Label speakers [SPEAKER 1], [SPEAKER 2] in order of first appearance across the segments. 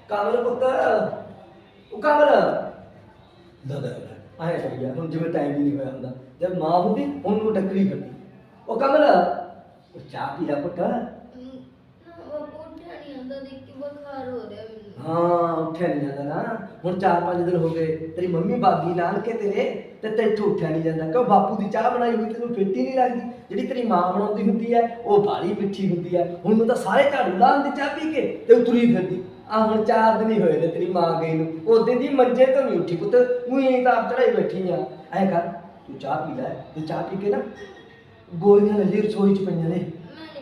[SPEAKER 1] ਕਮਲ ਪੁੱਤ ਉਹ ਕਮਲ ਦਾਦਾ ਆਇਆ ਕਰ ਗਿਆ ਹੁਣ ਜਿਵੇਂ ਟਾਈਮ ਹੀ ਨਹੀਂ ਹੋਇਆ ਹੁੰਦਾ ਜਦ ਮਾਂ ਹੁੰਦੀ ਹੁਣ ਨੂੰ ਟੱਕਰੀ ਕਰਦੀ ਉਹ ਕਮਲ ਉਹ ਚਾਹ ਪੀ ਲੈ ਪੁੱਤ ਹਾਂ ਉੱਠਿਆ ਨਹੀਂ ਜਾਂਦਾ ਨਾ ਹੁਣ 4-5 ਦਿਨ ਹੋ ਗਏ ਤੇਰੀ ਮੰਮੀ ਬਾਗੀ ਨਾਨਕੇ ਤੇਰੇ ਤੇ ਤੈਨੂੰ ਉੱਠਿਆ ਨਹੀਂ ਜਾਂਦਾ ਕਿਉਂ ਬਾਪੂ ਦੀ ਚਾਹ ਬਣਾਈ ਹੋਈ ਤੈਨੂੰ ਫਿੱਟੀ ਨਹੀਂ ਲੱਗਦੀ ਜਿਹੜੀ ਤੇਰੀ ਮਾਂ ਬਣਾਉਂਦੀ ਹੁੰਦੀ ਹੈ ਉਹ ਬਾਹਲੀ ਮਿੱਠੀ ਹੁੰਦੀ ਹੈ ਹੁਣ ਨੂੰ ਤਾਂ ਸਾਰੇ ਝਾੜੂ ਲਾਉਂਦੇ ਚਾਹ ਪੀ ਕੇ ਤੇ ਉਤਰੀ ਫਿਰਦੀ ਆ ਹੁਣ 4 ਦਿਨ ਹੀ ਹੋਏ ਨੇ ਤੇਰੀ ਮਾਂ ਗਈ ਨੂੰ ਉਹਦੇ ਦੀ ਮੰਜੇ ਤੋਂ ਨਹੀਂ ਉੱਠੀ ਪੁੱਤ ਉਹੀ ਤਾਂ ਆਪ ਚੜਾਈ ਬੈਠੀ ਆ ਐ ਕਰ ਤੂੰ ਚਾਹ ਪੀ ਲੈ ਤੇ ਚਾਹ ਪੀ ਕੇ ਨਾ ਗੋਲੀਆਂ ਲੱਲੀ ਰਸੋਈ ਚ ਪਈਆਂ ਨੇ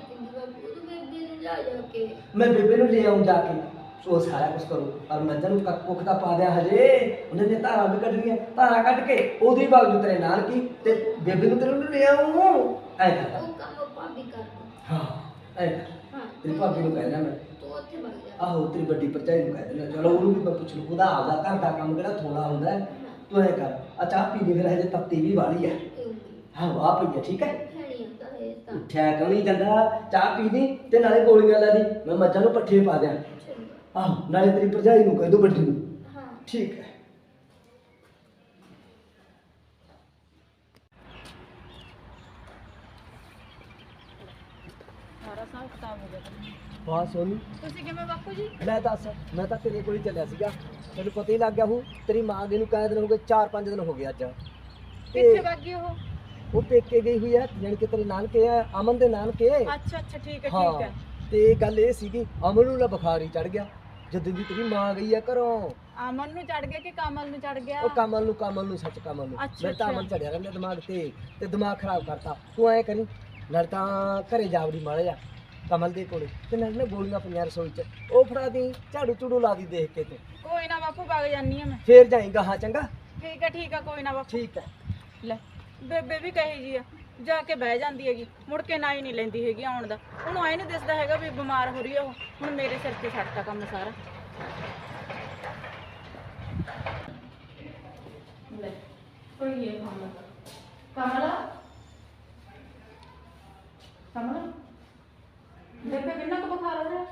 [SPEAKER 1] मैं बेबे ਨੂੰ ले आऊं जाके सो सारा कुछ करूं और मज्जन ਨੂੰ ਕੁੱਖ ਦਾ ਪਾ ਦਿਆ ਹਜੇ ਉਹਨੇ ਨੇ ਧਾਰਾਂ ਵੀ ਕੱਢਣੀਆਂ ਧਾਰਾਂ ਕੱਢ ਕੇ ਉਹਦੀ ਬਾਗੂ ਤੇਰੇ ਨਾਲ ਕੀ ਤੇ ਬੇਬੇ ਨੂੰ ਤੇਰੇ ਨੂੰ ਲੈ ਆऊं ਐ ਕਰ ਉਹ ਕੰਮ ਭਾਬੀ ਕਰ ਹਾਂ ਐ ਤੇਰੀ ਭਾਬੀ ਨੂੰ ਕਹਿਣਾ ਮੈਂ ਤੂੰ ਉੱਥੇ ਵਗ ਜਾ ਆਹੋ ਤੇਰੀ ਵੱਡੀ ਭਰਜਾਈ ਨੂੰ ਕਹਿ ਦੇਣਾ ਚਲੋ ਉਹਨੂੰ ਵੀ ਮੈਂ ਪੁੱਛ ਲੂ ਉਹਦਾ ਆਪਦਾ ਘਰ ਦਾ ਕੰਮ ਕਿਹੜਾ ਥੋੜਾ ਹੁੰਦਾ ਹੈ ਤੂੰ ਐ ਕਰ ਆ ਚਾਹ ਪੀ ਲਈ ਫਿਰ ਹਜੇ ਤੱਤੀ ਵੀ ਵਾਲੀ ਹੈ ਹਾਂ ਵਾਹ ਪਈ ਠੀਕ ਹੈ ਉੱਠਿਆ ਕਿਉਂ ਨਹੀਂ ਜਾਂਦਾ ਚਾਹ ਪੀ ਦੀ ਤੇ ਨਾਲੇ ਗੋਲੀਆਂ ਲੈ ਦੀ ਮੈਂ ਮੱਝਾਂ ਨੂੰ ਪੱਠੇ ਪਾ ਦਿਆਂ ਆਹ ਨਾਲੇ ਤੇਰੀ ਭਰਜਾਈ ਨੂੰ ਕਹਿ ਦੋ ਵੱਡੀ ਨੂੰ ਹਾਂ ਠੀਕ ਹੈ
[SPEAKER 2] ਸਾਰਾ ਹਿਸਾਬ ਕਿਤਾਬ ਹੋ ਗਿਆ
[SPEAKER 1] ਵਾਹ ਸੋਨੀ
[SPEAKER 2] ਤੁਸੀਂ ਕਿਵੇਂ ਬਾਪੂ ਜੀ
[SPEAKER 1] ਲੈ ਦੱਸ ਮੈਂ ਤਾਂ ਤੇਰੇ ਕੋਲ ਹੀ ਚੱਲਿਆ ਸੀਗਾ ਤੈਨੂੰ ਪਤਾ ਹੀ ਲੱਗ ਗਿਆ ਹੂੰ ਤੇਰੀ ਮਾਂ ਦੇ ਨੂੰ ਕਾਇ ਦਿਨ ਹੋ ਗਏ 4-5 ਦਿਨ ਹੋ ਗਏ ਅੱਜ
[SPEAKER 2] ਕਿੱਥੇ ਭਾਗੀ
[SPEAKER 1] ਉਹ ਪੇਕੇ ਗਈ ਹੋਈ ਹੈ ਜਾਣੀ ਕਿ ਤੇਰੇ ਨਾਨਕੇ ਹੈ ਅਮਨ ਦੇ ਨਾਨਕੇ
[SPEAKER 2] ਅੱਛਾ ਠੀਕ ਹੈ
[SPEAKER 1] ਠੀਕ ਹੈ ਤੇ ਗੱਲ ਇਹ ਸੀਗੀ ਅਮਨ ਨੂੰ ਨਾ ਬੁਖਾਰ ਹੀ ਚੜ ਗਿਆ ਜਦੋਂ ਦੀ ਤੇਰੀ ਮਾਂ ਗਈ ਆ ਘਰੋਂ
[SPEAKER 2] ਅਮਨ ਨੂੰ ਚੜ ਗਿਆ ਕਿ ਕਮਲ ਨੂੰ ਚੜ ਗਿਆ
[SPEAKER 1] ਉਹ ਕਮਲ ਨੂੰ ਸੱਚ ਕਮਲ ਨੂੰ ਮੇਰੇ ਤਾਂ ਅਮਨ ਚੜਿਆ ਰਹਿੰਦਾ ਦਿਮਾਗ ਤੇ ਦਿਮਾਗ ਖਰਾਬ ਕਰਤਾ ਤੂੰ ਐ ਕਰੀ ਨਾਲ ਤਾਂ ਘਰੇ ਜਾਵੜੀ ਮਾੜਾ ਜਾ ਕਮਲ ਦੇ ਕੋਲੇ ਤੇ ਨਾਲ ਨਾ ਗੋਲੀਆਂ ਪਈਆਂ ਰਸੋਈ ਚ ਉਹ ਫੜਾ ਦੀ ਝਾੜੂ ਝੂੜੂ ਲਾ ਦੀ ਦੇਖ ਕੇ ਤੇ
[SPEAKER 2] ਕੋਈ ਨਾ ਬਾਪੂ ਵਗ ਜਾਨੀ ਆ ਮੈਂ
[SPEAKER 1] ਫੇਰ ਜਾਏਗਾ ਹਾਂ ਚੰਗਾ
[SPEAKER 2] ਠੀਕ ਹੈ ਕੋਈ ਨਾ ਬਾਪੂ
[SPEAKER 1] ਠੀਕ ਹੈ
[SPEAKER 2] ਲੈ ਬੇਬੇ ਵੀ ਕਹੀ ਜੀ ਆ ਜਾ ਕੇ ਬਹਿ ਜਾਂਦੀ ਹੈਗੀ ਮੁੜ ਕੇ ਨਾ ਹੀ ਨਹੀਂ ਲੈਂਦੀ ਹੈਗੀ ਆਉਣ ਦਾ ਉਹਨੂੰ ਐ ਨਹੀਂ ਦਿਸਦਾ ਹੈਗਾ ਵੀ ਬਿਮਾਰ ਹੋ ਰਹੀ ਆ ਉਹ ਹੁਣ ਮੇਰੇ ਸਿਰ ਤੇ ਛੱਡਤਾ ਕੰਮ ਸਾਰਾ ਲੈ ਕੋਈ ਇਹ ਕਮਲ ਬੇਬੇ ਕਿੰਨਾ ਕੁ ਬੁਖਾਰ ਹੋ ਰਿਹਾ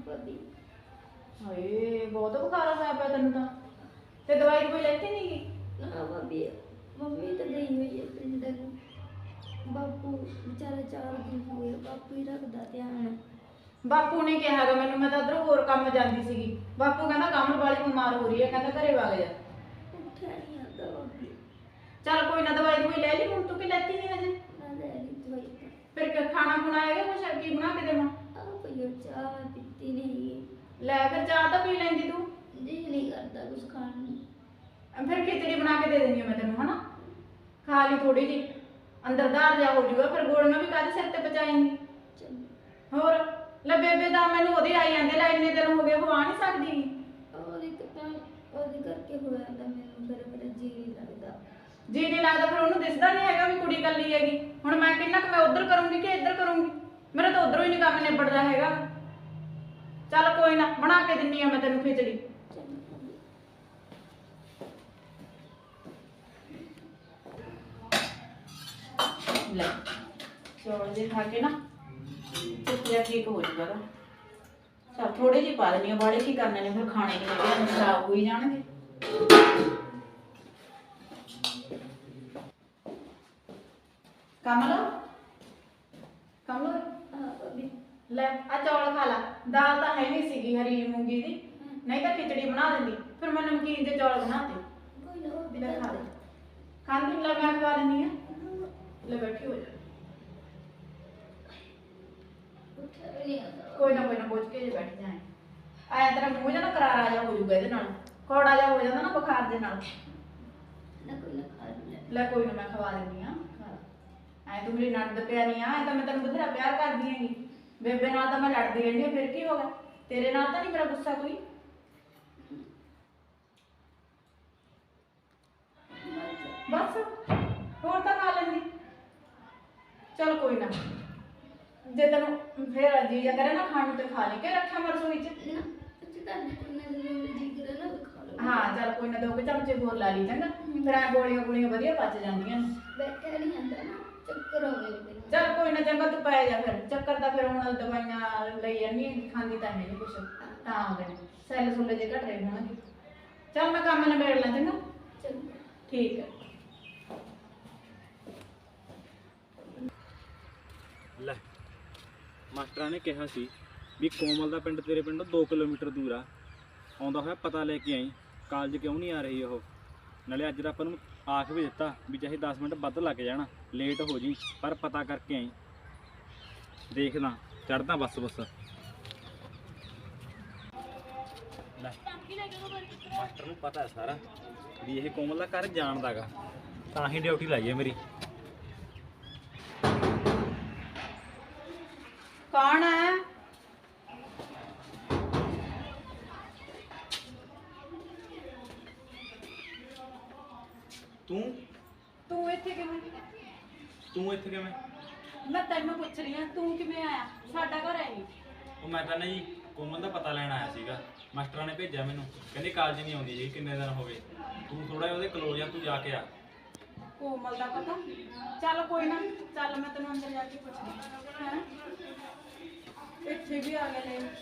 [SPEAKER 2] ਹਾਏ ਬਹੁਤ ਬੁਖਾਰ ਹੋਇਆ ਪਿਆ ਤੈਨੂੰ ਤਾਂ ਤੇ ਦਵਾਈ ਕੋਈ ਲੈਤੀ ਨਹੀਂ ਗੀ
[SPEAKER 3] ਨਾ ਮੰਮੀ ਤਾਂ ਗਈ ਹੋਈ ਹੈ ਪਿੰਡ ਨੂੰ ਬਾਪੂ ਵਿਚਾਰਾ 4 ਦਿਨ ਹੋ ਗਏ ਬਾਪੂ ਹੀ ਰੱਖਦਾ ਧਿਆਨ
[SPEAKER 2] ਬਾਪੂ ਨੇ ਕਿਹਾ ਹੈਗਾ ਮੈਨੂੰ ਮੈਂ ਤਾਂ ਉਧਰ ਹੋਰ ਕੰਮ ਜਾਂਦੀ ਸੀਗੀ ਬਾਪੂ ਕਹਿੰਦਾ ਕਮਲ ਵਾਲੀ ਬਿਮਾਰ ਹੋ ਰਹੀ ਹੈ ਕਹਿੰਦਾ ਘਰੇ ਵਗ ਜਾ
[SPEAKER 3] ਉੱਠਿਆ ਨਹੀਂ ਆਉਂਦਾ ਬਾਪੂ
[SPEAKER 2] ਚੱਲ ਕੋਈ ਨਾ ਦਵਾਈ ਦਵਾਈ ਲੈ ਲਈ ਹੁਣ ਤੂੰ ਕੀ ਲੈਤੀ ਨਹੀਂ ਹਜੇ
[SPEAKER 3] ਨਾ ਲੈ ਲਈ ਦਵਾਈ
[SPEAKER 2] ਫਿਰ ਖਾਣਾ ਖੁਣਾ ਹੈਗਾ ਕੁਛ ਕੀ ਬਣਾ ਕੇ ਦੇਵਾਂ
[SPEAKER 3] ਆਹ ਪਈਓ ਚਾਹ ਪੀਤੀ ਨਹੀਂ
[SPEAKER 2] ਲੈ ਫਿਰ ਚਾਹ ਤਾਂ ਪੀ ਲੈਂਦੀ ਤੂੰ
[SPEAKER 3] ਜੀ ਨਹੀਂ ਕਰਦਾ ਕੁਝ ਖਾਣ ਨੂੰ
[SPEAKER 2] ਫਿਰ ਖਿਚੜੀ ਬਣਾ ਕੇ ਦੇ ਦਿੰਦੀ ਹਾਂ ਮੈਂ ਤੈਨੂੰ ਹਨਾ ਖਾ ਲਈ ਥੋੜੀ ਜੀ ਅੰਦਰ ਦਾਰ ਜਾ ਹੋ ਜੂਗਾ ਫਿਰ ਗੋਲੀਆਂ ਵੀ ਕਾਹਦੇ ਸਿਰ ਤੇ ਪਚਾਏਂਗੀ ਹੋਰ ਲੈ ਬੇਬੇ ਦਾ ਮੈਨੂੰ ਉਹਦੇ ਆਈ ਜਾਂਦੇ ਲੈ ਇੰਨੇ ਦਿਨ ਹੋ ਗਏ ਉਹ ਆ ਨਹੀਂ ਸਕਦੀ
[SPEAKER 3] ਉਹਦੇ ਕਰਕੇ ਹੋਇਆ ਤਾਂ ਮੈਨੂੰ ਫਿਰ ਮੇਰਾ ਜੀ ਨਹੀਂ ਲੱਗਦਾ
[SPEAKER 2] ਜੀ ਨਹੀਂ ਲੱਗਦਾ ਫਿਰ ਉਹਨੂੰ ਦਿਸਦਾ ਨਹੀਂ ਹੈਗਾ ਵੀ ਕੁੜੀ ਕੱਲੀ ਹੈਗੀ ਹੁਣ ਮੈਂ ਕਿੰਨਾ ਕੁ ਮੈਂ ਉਧਰ ਕਰੂੰਗੀ ਕਿ ਇੱਧਰ ਕਰੂੰਗੀ ਮੇਰਾ ਤਾਂ ਉਧਰੋਂ ਹੀ ਨਹੀਂ ਕੰਮ ਨਿਬੜਦਾ ਹੈਗਾ ਚੱਲ ਕੋਈ ਨਾ ਬਣਾ ਕੇ ਦਿੰਨੀ ਆ ਮੈਂ ਤੈਨੂੰ ਖਿਚੜੀ ਲੈ ਚੌਲ ਜੇ ਖਾ ਕੇ ਨਾ ਚੁੱਪਿਆ ਠੀਕ ਹੋ ਜਾਊਗਾ ਚਲ ਥੋੜੇ ਜਿਹੇ ਪਾ ਦੇਣੀ ਆ ਬਾੜੇ ਕੀ ਕਰਨੇ ਨੇ ਫਿਰ ਖਾਣੇ ਨਹੀਂ ਲੱਗੇ ਖਰਾਬ ਹੋਈ ਜਾਣਗੇ ਕਮਲ ਲੈ ਆ ਚੌਲ ਖਾ ਲਾ ਦਾਲ ਤਾਂ ਹੈ ਨਹੀਂ ਸੀਗੀ ਹਰੀ ਮੂੰਗੀ ਦੀ ਨਹੀਂ ਤਾਂ ਖਿਚੜੀ ਬਣਾ ਦਿੰਦੀ ਫਿਰ ਮੈਂ ਨਮਕੀਨ ਦੇ ਚੌਲ ਬਣਾਤੇ
[SPEAKER 3] ਕੋਈ ਨਾ ਉਹ ਵੀ
[SPEAKER 2] ਲੈ ਖਾ ਲੈ ਖਾਂਦੀ ਲੈ ਮੈਂ ਖਵਾ ਦਿੰਦੀ ਆ ਲੈ ਬੈਠੀ ਹੋ ਜਾ
[SPEAKER 3] ਉੱਠਿਆ ਵੀ ਨਹੀਂ ਆਉਂਦਾ
[SPEAKER 2] ਕੋਈ ਨਾ ਪੁੱਛ ਕੇ ਜੇ ਬੈਠ ਜਾਏ ਆਇਆ ਤੇਰਾ ਮੂੰਹ ਜਿਹਾ ਨਾ ਕਰਾਰਾ ਜਿਹਾ ਹੋ ਜਾਊਗਾ ਇਹਦੇ ਨਾਲ ਕੌੜਾ ਜਿਹਾ ਹੋ ਜਾਂਦਾ ਨਾ ਬੁਖਾਰ ਦੇ ਨਾਲ
[SPEAKER 3] ਨਾ ਕੋਈ ਨਾ ਖਾ
[SPEAKER 2] ਲੈ ਕੋਈ ਨਾ ਮੈਂ ਖਵਾ ਦਿੰਦੀ ਆ ਐ ਤੂੰ ਮੇਰੀ ਨਣਦ ਪਿਆਰੀ ਆ ਐ ਤਾਂ ਮੈਂ ਤੈਨੂੰ ਬਥੇਰਾ ਪਿਆਰ ਕਰਦੀ ਹੈਗੀ ਬੇਬੇ ਨਾਲ ਤਾਂ ਮੈਂ ਲੜਦੀ ਰਹਿੰਦੀ ਆ ਫਿਰ ਕੀ ਹੋ ਗਿਆ ਤੇਰੇ ਨਾਲ ਤਾਂ ਨਹੀਂ ਮੇਰਾ ਗੁੱਸਾ ਕੋਈ ਬਸ ਹੋਰ ਤਾਂ ਖਾ ਲੈਂਦੀ ਚਲ ਕੋਈ ਨਾ ਜੇ ਤੈਨੂੰ ਫੇਰ ਜੀ ਜਾਂ ਕਰੇ ਨਾ ਖਾਣ ਨੂੰ ਤੇ ਖਾ ਲਈ ਕਿ ਰੱਖਿਆ ਮੈਂ ਰਸੋਈ ਚ
[SPEAKER 3] ਨਾ ਅੱਛਾ ਤਾਂ ਜੀ ਕਰੇ ਨਾ ਖਾ ਲਓ
[SPEAKER 2] ਹਾਂ ਚੱਲ ਕੋਈ ਨਾ 2 ਚਮਚੇ ਹੋਰ ਲਾ ਲਈ ਚੰਗਾ ਫਿਰ ਐ ਗੋਲੀਆਂ ਵਧੀਆ ਪਚ ਜਾਂਦੀਆਂ ਨੇ
[SPEAKER 3] ਬੈਠਿਆ ਨਹੀਂ ਜਾਂਦਾ ਨਾ ਚੱਕਰ ਆਉਂਦੇ ਨੇ ਮੈਨੂੰ
[SPEAKER 2] ਚੱਲ ਕੋਈ ਨਾ ਚੰਗਾ ਤੂੰ ਪੈ ਜਾ ਫਿਰ ਚੱਕਰ ਤਾਂ ਫਿਰ ਹੁਣ ਦਵਾਈਆਂ ਲਈ ਜਾਂਦੀ ਖਾਂਦੀ ਤਾਂ ਹੈ ਨਹੀਂ ਕੁਛ ਤਾਂ ਆ ਗਏ ਸੈੱਲ ਸੁੱਲੇ ਜੇ ਘਟ ਰਹੇ ਹੋਣਗੇ। ਚੱਲ ਮੈਂ ਕੰਮ ਨਿਬੇੜ ਲਾਂ ਚੰਗਾ।
[SPEAKER 3] ਚੰਗਾ।
[SPEAKER 2] ਠੀਕ ਹੈ।
[SPEAKER 4] ਲੈ ਮਾਸਟਰਾਂ ਨੇ ਕਿਹਾ ਸੀ ਵੀ ਕੋਮਲ ਦਾ ਪਿੰਡ ਤੇਰੇ ਪਿੰਡੋਂ 2 ਕਿਲੋਮੀਟਰ ਦੂਰ ਆ, ਆਉਂਦਾ ਹੋਇਆ ਪਤਾ ਲੈ ਕੇ ਆਈ ਕਾਲਜ ਕਿਉਂ ਨਹੀਂ ਆ ਰਹੀ ਉਹ। ਨਾਲੇ ਅੱਜ ਦਾ ਆਪਾਂ ਨੂੰ ਆਖ ਵੀ ਦਿੱਤਾ ਵੀ ਚਾਹੇ 10 ਮਿੰਟ ਵੱਧ ਲੱਗ ਜਾਣ, ਲੇਟ ਹੋ ਜੀ ਪਰ ਪਤਾ ਕਰਕੇ ਆਈ। ਦੇਖਦਾ ਚੜਦਾ ਬੱਸ ਲੈ ਮਾਸਟਰ ਨੂੰ ਪਤਾ ਸਾਰਾ ਵੀ ਇਹ ਕੋਮਲ ਦਾ ਘਰ ਜਾਣਦਾ ਗਾ, ਤਾਂ ਹੀ ਡਿਊਟੀ ਲਾਈ ਹੈ ਮੇਰੀ।
[SPEAKER 2] ਕੌਣ ਹੈ? ਤੂੰ ਇੱਥੇ ਕਿਵੇਂ?
[SPEAKER 4] ਤੂੰ ਇੱਥੇ ਕਿਵੇਂ?
[SPEAKER 2] ਮੈਂ ਤੈਨੂੰ ਪੁੱਛ ਰਹੀ ਹਾਂ ਤੂੰ ਕਿਵੇਂ ਆਇਆ? ਸਾਡਾ ਘਰ ਹੈ ਨਹੀਂ।
[SPEAKER 4] ਉਹ ਮੈਂ ਤਾਂ ਨਾ ਜੀ ਕੋਮਲ ਦਾ ਪਤਾ ਲੈਣ ਆਇਆ ਸੀਗਾ, ਮਾਸਟਰਾਂ ਨੇ ਭੇਜਿਆ ਮੈਨੂੰ, ਕਹਿੰਦੇ ਕਾਲਜ ਨਹੀਂ ਆਉਂਦੀ ਜੀ ਕਿੰਨੇ ਦਿਨ ਹੋ ਗਏ, ਤੂੰ ਥੋੜਾ ਉਹਦੇ ਕਲੋਜ਼ ਆ, ਤੂੰ ਜਾ ਕੇ ਆ।
[SPEAKER 2] ਕੋਮਲ ਦਾ ਪਤਾ? ਚੱਲ ਕੋਈ ਨਾ, ਚੱਲ ਮੈਂ ਤੈਨੂੰ ਅੰਦਰ ਜਾ ਕੇ ਪੁੱਛਦੀ ਹਾਂ। ਇੱਥੇ ਵੀ ਆ ਗਏ ਨੇ,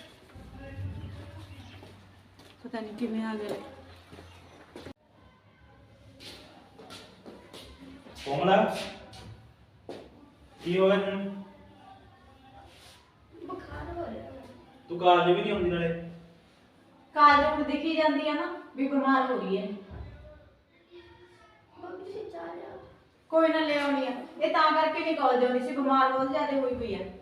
[SPEAKER 2] ਪਤਾ ਨਹੀਂ ਕਿਵੇਂ ਆ ਗਏ।
[SPEAKER 4] ਕੋਮਲ ਕੀ ਹੋ ਗਿਆ ਤੈਨੂੰ?
[SPEAKER 3] ਬੁਖਾਰ ਹੋ ਰਿਹਾ।
[SPEAKER 4] ਤੂੰ ਕਾਲਜ ਵੀ ਨਹੀਂ ਆਉਂਦੀ ਨਾਲੇ।
[SPEAKER 2] ਕਾਲਜ ਹੁਣ ਦਿਖੀ ਜਾਂਦੀ ਆ ਨਾ ਵੀ ਬਿਮਾਰ ਹੋ ਰਹੀ ਹੈ।
[SPEAKER 3] ਮੰਮੀ ਜੀ ਚਾਹ ਲਿਆ।
[SPEAKER 2] ਕੋਈ ਨਾ ਲੈ ਆਉਣੀ ਆ, ਇਹ ਤਾਂ ਕਰਕੇ ਨਹੀਂ ਕਾਲਜ ਆਉਂਦੀ ਸੀ, ਬਿਮਾਰ ਬਹੁਤ ਜ਼ਿਆਦਾ ਹੋਈ ਪਈ ਆ।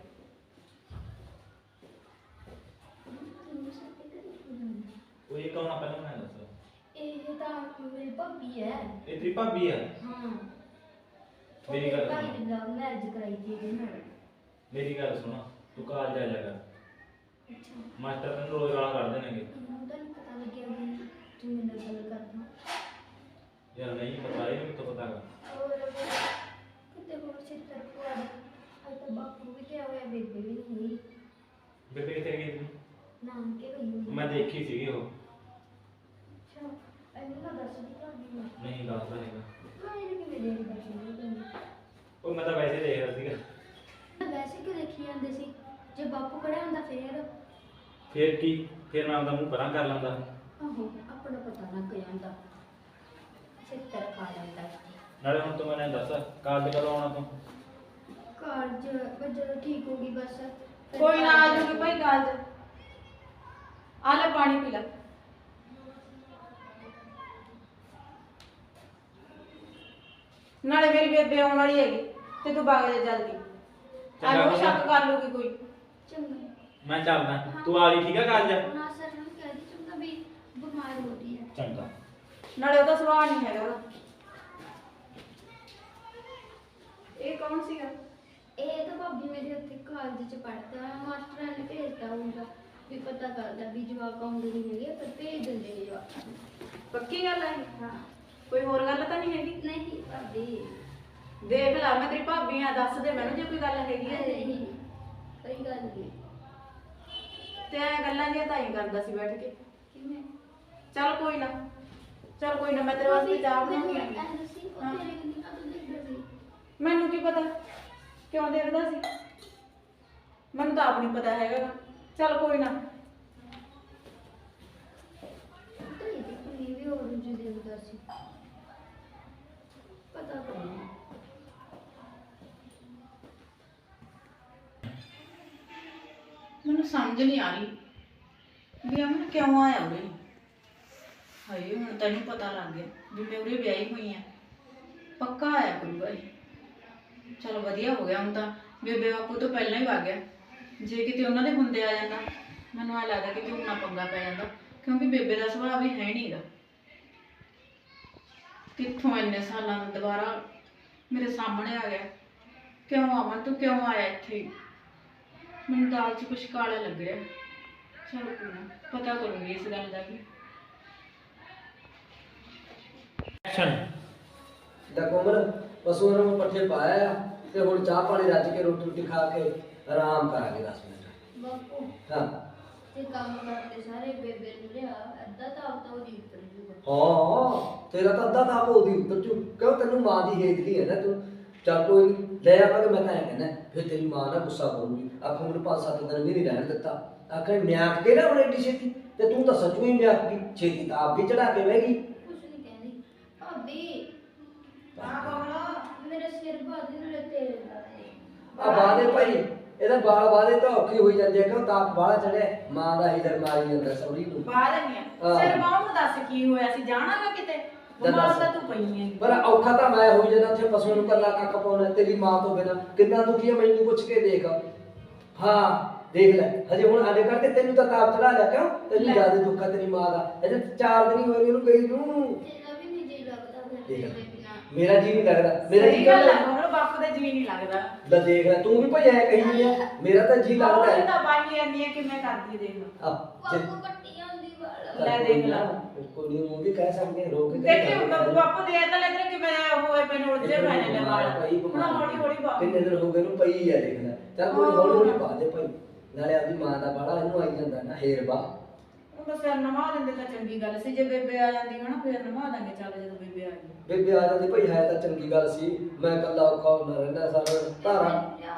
[SPEAKER 4] ਉਹ ਇਹ ਕੌਣ ਆ ਪਹਿਲਾਂ ਮੈਨੂੰ ਦੱਸ।
[SPEAKER 3] ਇਹ ਤਾਂ ਮੇਰੀ ਭਾਬੀ ਹੈ।
[SPEAKER 4] ਇਹ ਤੇਰੀ ਭਾਬੀ ਆ?
[SPEAKER 3] ਹਾਂ।
[SPEAKER 4] ਮੇਰੀ ਗੱਲ
[SPEAKER 3] ਭਾਈ
[SPEAKER 4] ਸੁਣ।
[SPEAKER 3] ਨੇ ਲਵ ਮੈਰਿਜ ਕਰਾਈ ਸੀ ਇਹਦੇ ਨਾਲ।
[SPEAKER 4] ਮੇਰੀ ਗੱਲ ਸੁਣ, ਤੂੰ ਕਾਲਜ ਆ ਜਾ ਕਰ,
[SPEAKER 3] ਅੱਛਾ।
[SPEAKER 4] ਮਾਸਟਰ ਤੈਨੂੰ ਰੋਜ਼ ਗਾਲਾਂ ਕੱਢ ਦੇਣਗੇ।
[SPEAKER 3] ਮੈਨੂੰ ਤਾਂ ਨਹੀਂ ਪਤਾ ਲੱਗਿਆ ਵੀ ਤੂੰ ਮੇਰੇ ਨਾਲ ਗੱਲ ਕਰਦਾ।
[SPEAKER 4] ਯਾਰ ਨਹੀਂ ਪਤਾ, ਇਹਨੂੰ ਕਿੱਥੋਂ ਪਤਾ ਗਾ?
[SPEAKER 3] ਹੋਰ ਕਿਤੇ ਹੋਰ ਚਿੱਤਰ ਪਵਾ ਦੇ। ਅੱਜ ਤਾਂ ਬਾਪੂ ਵੀ ਗਿਆ ਹੋਇਆ, ਬੇਬੇ ਵੀ ਨਹੀਂ ਹੋਈ।
[SPEAKER 4] ਬੇਬੇ ਕਿੱਥੇ ਗਈ ਸੀ?
[SPEAKER 3] ਨਾਨਕੇ ਗਈ ਹੋਈ।
[SPEAKER 4] ਮੈਂ ਦੇਖੀ ਸੀਗੀ ਉਹ।
[SPEAKER 3] ਅੱਛਾ। ਇਹਨੂੰ ਤਾਂ ਦੱਸ ਦੀ ਭਾਬੀ ਨੂੰ।
[SPEAKER 4] ਨਹੀਂ ਦੱਸਦਾ ਹੈਗਾ।
[SPEAKER 3] ਮੈਂ ਇਹਨੂੰ ਕਿਵੇਂ ਦੇਖਦਾ ਸੀ ਤੈਨੂੰ?
[SPEAKER 4] ਉਹ ਮੈਂ ਤਾਂ ਵੈਸੇ ਦੇਖ ਰਿਹਾ ਸੀਗਾ।
[SPEAKER 3] ਵੈਸੇ ਕਿ ਦੇਖੀ ਜਾਂਦੇ ਸੀ, ਜੇ ਬਾਪੂ ਖੜਿਆ ਹੁੰਦਾ
[SPEAKER 4] ਫੇਰ ਕੀ, ਫੇਰ ਮੈਂ ਆਪਦਾ ਮੂੰਹ ਪਰਾਂ ਕਰ ਲੈਂਦਾ।
[SPEAKER 3] ਆਹੋ ਆਪਣਾ ਪਤਾ ਲੱਗ ਜਾਂਦਾ, ਚਿੱਤਰ ਖਾ ਜਾਂਦਾ।
[SPEAKER 4] ਨਾਲੇ ਹੁਣ ਤੂੰ ਮੈਨੂੰ ਦੱਸ ਕਾਲਜ ਕਦੋਂ ਆਉਣਾ ਤੂੰ?
[SPEAKER 3] ਕਾਲਜ ਜਦੋਂ ਠੀਕ ਹੋ ਗਈ ਬਸ। ਫਿਰ
[SPEAKER 2] ਕੋਈ ਨਾ ਆ
[SPEAKER 3] ਕਾਲਜ
[SPEAKER 2] ਜਾਊਗੀ ਭਾਈ ਕਾਲਜ। ਆ ਲੈ ਪਾਣੀ ਪੀ ਲੈ। ਨਾਲੇ ਮੇਰੀ ਬੇਬੇ ਆਉਣ ਵਾਲੀ ਹੈਗੀ ਤੇ ਤੂੰ ਬਾਗ ਜਾ ਜਲਦੀ। ਆ ਲੋ ਸ਼ੱਕ ਕਰ ਲੂਗੀ ਕੋਈ।
[SPEAKER 3] ਚੰਗਾ।
[SPEAKER 4] ਮੈਂ ਚੱਲਦਾ, ਤੂੰ ਆ ਗਈ ਠੀਕ ਆ ਕਾਲਜ?
[SPEAKER 3] ਨਾ ਸਰ ਨੂੰ ਕਹਿ ਦੀ ਚੰਗਾ ਵੀ ਬਿਮਾਰ ਹੋ ਰਹੀ ਹੈ।
[SPEAKER 4] ਚੰਗਾ।
[SPEAKER 2] ਨਾਲੇ ਉਹਦਾ ਸੁਭਾਅ ਨਹੀਂ ਹੈਗਾ ਉਹਦਾ। ਇਹ ਕੌਣ ਸੀਗਾ?
[SPEAKER 3] ਇਹ ਤਾਂ ਭਾਬੀ ਮੇਰੇ ਉੱਥੇ ਕਾਲਜ ਚ ਪੜ੍ਹਦਾ, ਮਾਸਟਰਾਂ ਨੇ ਭੇਜਦਾ ਹੁੰਦਾ ਵੀ ਪਤਾ ਕਰਦਾ ਵੀ ਜਵਾਕ ਆਉਂਦੇ ਨਹੀਂ ਹੈਗੇ, ਪਰ ਭੇਜ ਦਿੰਦੇ ਨੇ ਜਵਾਕ।
[SPEAKER 2] ਪੱਕੀ ਗੱਲ ਹੈ?
[SPEAKER 3] ਹਾਂ।
[SPEAKER 2] ਕੋਈ ਹੋਰ ਗੱਲ ਤਾਂ ਨਹੀਂ ਹੈਗੀ?
[SPEAKER 3] ਨਹੀਂ ਭਾਬੀ।
[SPEAKER 2] ਦੇਖ ਲੈ ਮੈਂ ਤੇਰੀ ਭਾਬੀ ਆ, ਦੱਸ ਦੇ ਮੈਨੂੰ ਜੇ ਕੋਈ ਗੱਲ ਹੈਗੀ ਹੈ।
[SPEAKER 3] ਨਹੀਂ ਕੋਈ ਗੱਲ ਨਹੀਂ।
[SPEAKER 2] ਤੇ ਐ ਗੱਲਾਂ ਦੀਆਂ ਤਾਂ ਹੀ ਕਰਦਾ ਸੀ ਬੈਠ ਕੇ।
[SPEAKER 3] ਕਿਵੇਂ?
[SPEAKER 2] ਚੱਲ ਕੋਈ ਨਾ, ਚੱਲ ਕੋਈ ਨਾ, ਮੈਂ ਤੇਰੇ ਵਾਸਤੇ ਚਾਹ ਬਣਾਉਣੀ ਆ।
[SPEAKER 3] ਮੈਨੂੰ ਦੱਸੀ ਉਹ
[SPEAKER 2] ਹਾਂ।
[SPEAKER 3] ਤੇਰੇ ਕਿੰਨੀ ਕਦੋਂ ਦੇਖਦਾ ਸੀ?
[SPEAKER 2] ਮੈਨੂੰ ਕੀ ਪਤਾ ਕਿਉਂ ਦੇਖਦਾ ਸੀ, ਮੈਨੂੰ ਤਾਂ ਆਪ ਨਹੀਂ ਪਤਾ ਹੈਗਾ। ਚੱਲ ਕੋਈ ਨਾ।
[SPEAKER 3] ਤਾਂ ਇਹ ਕੁੜੀ ਵੀ ਹੋਰ ਜੀ ਦੇਖਦਾ ਸੀ, ਪਤਾ ਕਰਨਾ।
[SPEAKER 2] ਮੈਨੂੰ ਸਮਝ ਨਹੀਂ ਆ ਰਹੀ ਵੀ ਅਮਨ ਕਿਉਂ ਆਇਆ ਉਰੇ। ਹਾਏ ਹੁਣ ਤੈਨੂੰ ਪਤਾ ਲੱਗ ਗਿਆ ਵੀ ਮੈਂ ਉਰੇ ਵਿਆਹੀ ਹੋਈ ਆ, ਪੱਕਾ ਆਇਆ ਕਰੂਗਾ ਇਹ। ਚਲ ਵਧੀਆ ਹੋ ਗਿਆ, ਹੁਣ ਤਾਂ ਬੇਬੇ ਬਾਪੂ ਤੋਂ ਪਹਿਲਾਂ ਹੀ ਵਗ ਗਿਆ। ਜੇ ਕਿਤੇ ਉਹਨਾਂ ਦੇ ਹੁੰਦੇ ਆ ਜਾਂਦਾ ਮੈਨੂੰ ਆ ਲੱਗਦਾ ਕਿ ਉਹਨਾਂ ਪੰਗਾ ਪੈ ਜਾਂਦਾ, ਕਿਉਂਕਿ ਬੇਬੇ ਦਾ ਸੁਭਾਅ ਵੀ ਹੈ ਨਹੀਂਗਾ। ਕਿੱਥੋਂ ਇੰਨੇ ਸਾਲਾਂ ਦਾ ਦੁਬਾਰਾ ਮੇਰੇ ਸਾਹਮਣੇ ਆ ਗਿਆ। ਕਿਉਂ ਅਮਨ ਤੂੰ ਕਿਉਂ ਆਇਆ ਇੱਥੇ? ਮੈਨੂੰ ਦਾਲ 'ਚ ਕੁਛ ਕਾਲਾ ਲੱਗ ਰਿਹਾ। ਚਲ ਕੋਈ ਨਾ, ਪਤਾ ਕਰੂੰਗੀ ਇਸ ਗੱਲ ਦਾ ਵੀ।
[SPEAKER 4] ਐਕਸ਼ਨ।
[SPEAKER 1] ਦਾ ਕੋਮਲ ਪਸ਼ੂਆਂ ਨੂੰ ਪੱਠੇ ਪਾਇਆ ਆ ਤੇ ਹੁਣ ਚਾਹ ਪਾਣੀ ਰੱਜ ਕੇ ਰੋਟੀ ਰੋਟੀ ਖਾ ਕੇ ਆਰਾਮ ਕਰਾਂਗੇ 10 ਮਿੰਟ।
[SPEAKER 3] ਬਾਪੂ
[SPEAKER 1] ਹਾਂ
[SPEAKER 3] ਤੇ ਕੰਮ ਕਰਦੇ ਸਾਰੇ ਬੇਬੇ ਨੂੰ ਲਿਆ, ਅੱਧਾ ਤਾਂ ਆਪ ਤਾਂ ਉਹਦੀ ਉੱਤਰ ਜੂਗਾ।
[SPEAKER 1] ਹਾਂ ਤੇਰਾ ਤਾਂ ਅੱਧਾ ਤਾਂ ਉਹਦੀ ਉੱਤਰ ਚੁ ਕਿਉਂ ਤੈਨੂੰ ਮਾਂ ਦੀ ਹੇਜਲੀ ਹੈ ਨਾ ਤੂੰ। ਚੱਲ ਕੋਈ ਨੀ, ਲੈ ਆਵਾਂਗੇ। ਮੈਂ ਤਾਂ ਐਂ ਕਹਿੰਦਾ ਫਿਰ ਤੇਰੀ ਮਾਂ ਨਾ ਗੁੱਸਾ ਕਰੂਗੀ, ਆਖੂ ਮੈਨੂੰ 5-7 ਦਿਨ ਵੀ ਨਹੀਂ ਰਹਿਣ ਦਿੱਤਾ। ਆਖਰ ਮਿਆਕ ਕੇ ਨਾ ਹੁਣ ਏਡੀ ਛੇਤੀ ਤੇ ਤੂੰ ਤਾਂ ਸੱਚੂ ਹੀ ਮਿਆਕ ਗਈ ਛੇਤੀ ਤਾਂ ਆਪ ਵੀ ਚੜਾ ਕੇ ਬਹਿ ਗਈ।
[SPEAKER 3] ਕੁਛ ਨਹੀਂ ਕਹਿੰਦੀ ਭਾਬੀ
[SPEAKER 2] ਹਾਂ ਕੋਮਲ
[SPEAKER 3] ਮੇਰਾ ਸਿਰ ਬਾਦੀ ਨੂੰ ਤੇਲ ਲਾ ਦੇ।
[SPEAKER 1] ਆ ਬਾਦੇ ਭਾਈ ਇਹਦਾ ਬਾਲ ਬਾਦੇ ਤਾਂ ਔਖੇ ਹੋਈ ਜਾਂਦੇ ਆ ਕਿਉਂ ਤਾਪ ਬਾਹਲਾ ਚੜਿਆ ਮਾਂ ਦਾ ਹੀਦਰ ਮਾਰੀ ਜਾਂਦਾ ਸੌਰੀ ਨੂੰ।
[SPEAKER 2] ਬਾਹਰ ਨਹੀਂ ਆ
[SPEAKER 1] ਹਾਂ।
[SPEAKER 2] ਸਿਰ ਬਾਹਰ ਨੂੰ ਦੱਸ ਕੀ ਹੋਇਆ ਸੀ ਜਾਣਾਗਾ ਕਿਤੇ ਬਿਮਾਰ ਤਾਂ ਤੂੰ ਪਈ ਹੈ
[SPEAKER 1] ਪਰ ਔਖਾ ਤਾਂ ਮੈਂ ਹੋਈ ਜਾਂਦਾ ਉੱਥੇ ਪਸ਼ੂ ਨੂੰ ਕੱਲਾ ਕੱਖ ਪਾਉਣਾ ਤੇਰੀ ਮਾਂ ਤੋਂ ਬਿਨਾ ਕਿੰਨਾ ਦੁਖੀ ਆ ਮੈਨੂੰ ਪੁੱਛ ਕੇ ਦੇਖ। ਹਾਂ ਦੇਖ ਲੈ ਹਜੇ ਹੁਣ ਸਾਡੇ ਕਰਕੇ ਤੈਨੂੰ ਤਾਂ ਤਾਪ ਚੜਾ ਲਿਆ ਕਿਉਂ ਤੈਨੂੰ
[SPEAKER 2] ਲੈ।
[SPEAKER 1] ਜ਼ਿਆਦਾ ਦੁੱਖ ਆ ਤੇਰੀ ਮਾਂ ਦਾ ਇਹਦੇ 4 ਦਿਨ ਹੀ ਹੋਏ ਨੇ ਉਹਨੂੰ ਗਈ ਨੂੰ।
[SPEAKER 3] ਤੇਰਾ ਵੀ ਨਹੀਂ ਜੀ ਲੱਗਦਾ ਫਿਰ
[SPEAKER 1] ਦੇਖ
[SPEAKER 3] ਤੇਰੇ ਬਿਨਾ।
[SPEAKER 1] ਮੇਰਾ ਜੀ ਨਹੀਂ ਲੱਗਦਾ ਮੇਰਾ
[SPEAKER 2] ਸਹੀ
[SPEAKER 1] ਜੀ
[SPEAKER 2] ਗੱਲ ਹੈ
[SPEAKER 1] ਕਰਦਾ
[SPEAKER 2] ਕੋਮਲ ਬਾਪੂ ਦਾ ਜੀ ਨਹੀਂ ਲੱਗਦਾ
[SPEAKER 1] ਲੈ ਦੇਖ ਲੈ ਤੂੰ ਵੀ ਭਈ ਐ ਕਹੀ ਨਹੀਂ ਆ ਮੇਰਾ ਤਾਂ ਜੀ ਲੱਗਦਾ
[SPEAKER 2] ਉਹ
[SPEAKER 1] ਹੈ
[SPEAKER 2] ਤਾਂ ਬਾਈ ਆਂਦੀ ਹੈ ਕਿਵੇਂ ਕਰਦੀ ਦੇਖ
[SPEAKER 1] ਆ
[SPEAKER 3] ਬਾਪੂ ਕੱਟੀ ਆਉਂਦੀ ਵਾਲਾ।
[SPEAKER 2] ਲੈ ਦੇਖ ਲਾ।
[SPEAKER 1] ਕੋਈ ਨਹੀਂ ਉਹ ਵੀ ਕਹਿ ਸਕਦੇ ਰੋਕ ਕੇ
[SPEAKER 2] ਦੇਖੀ ਬਾਪੂ ਦੇ ਤਾਂ ਲੱਗ ਰਿਹਾ ਕਿ ਮੈਂ ਹੋਏ ਪੈ ਨੋੜ ਜੇ ਮੈਂ ਨੇ ਵਾਲ
[SPEAKER 1] ਭਾਈ
[SPEAKER 2] ਹੁਣ ਹੌਲੀ ਹੌਲੀ ਬਾਪੂ
[SPEAKER 1] ਕਿੰਨੇ ਦਿਨ ਹੋ ਗਏ ਨੂੰ ਪਈ ਆ ਦੇਖ ਲੈ ਚੱਲ ਕੋਈ ਹੌਲੀ ਹੌਲੀ ਪਾ ਦੇ ਭਾਈ ਨਾਲੇ ਆਪਦੀ ਮਾਂ ਦਾ ਬਾੜਾ ਇਹਨੂੰ ਆਈ ਜਾਂਦਾ ਨਾ ਹੇਰ ਬਾ
[SPEAKER 2] ਉਹ ਤਾਂ ਸਿਰ ਨਵਾ ਦਿੰਦੇ ਤਾਂ ਚੰਗੀ ਗੱਲ ਸੀ ਜੇ ਬੇਬੇ ਆ ਜਾਂਦੀ ਹਨਾ ਫਿਰ ਨਵਾ ਦਾਂਗੇ ਚੱਲ ਜਦੋਂ ਬੇਬੇ ਆ ਗਈ
[SPEAKER 1] ਬੇਬੇ ਆ ਜਾਂਦੀ ਭਾਈ ਹੈ ਤਾਂ ਚੰਗੀ ਗੱਲ ਸੀ ਮੈਂ ਕੱਲਾ ਔਖਾ ਹੁੰਦਾ ਰਹਿੰਦਾ ਸਾਰਾ ਧਾਰਾਂ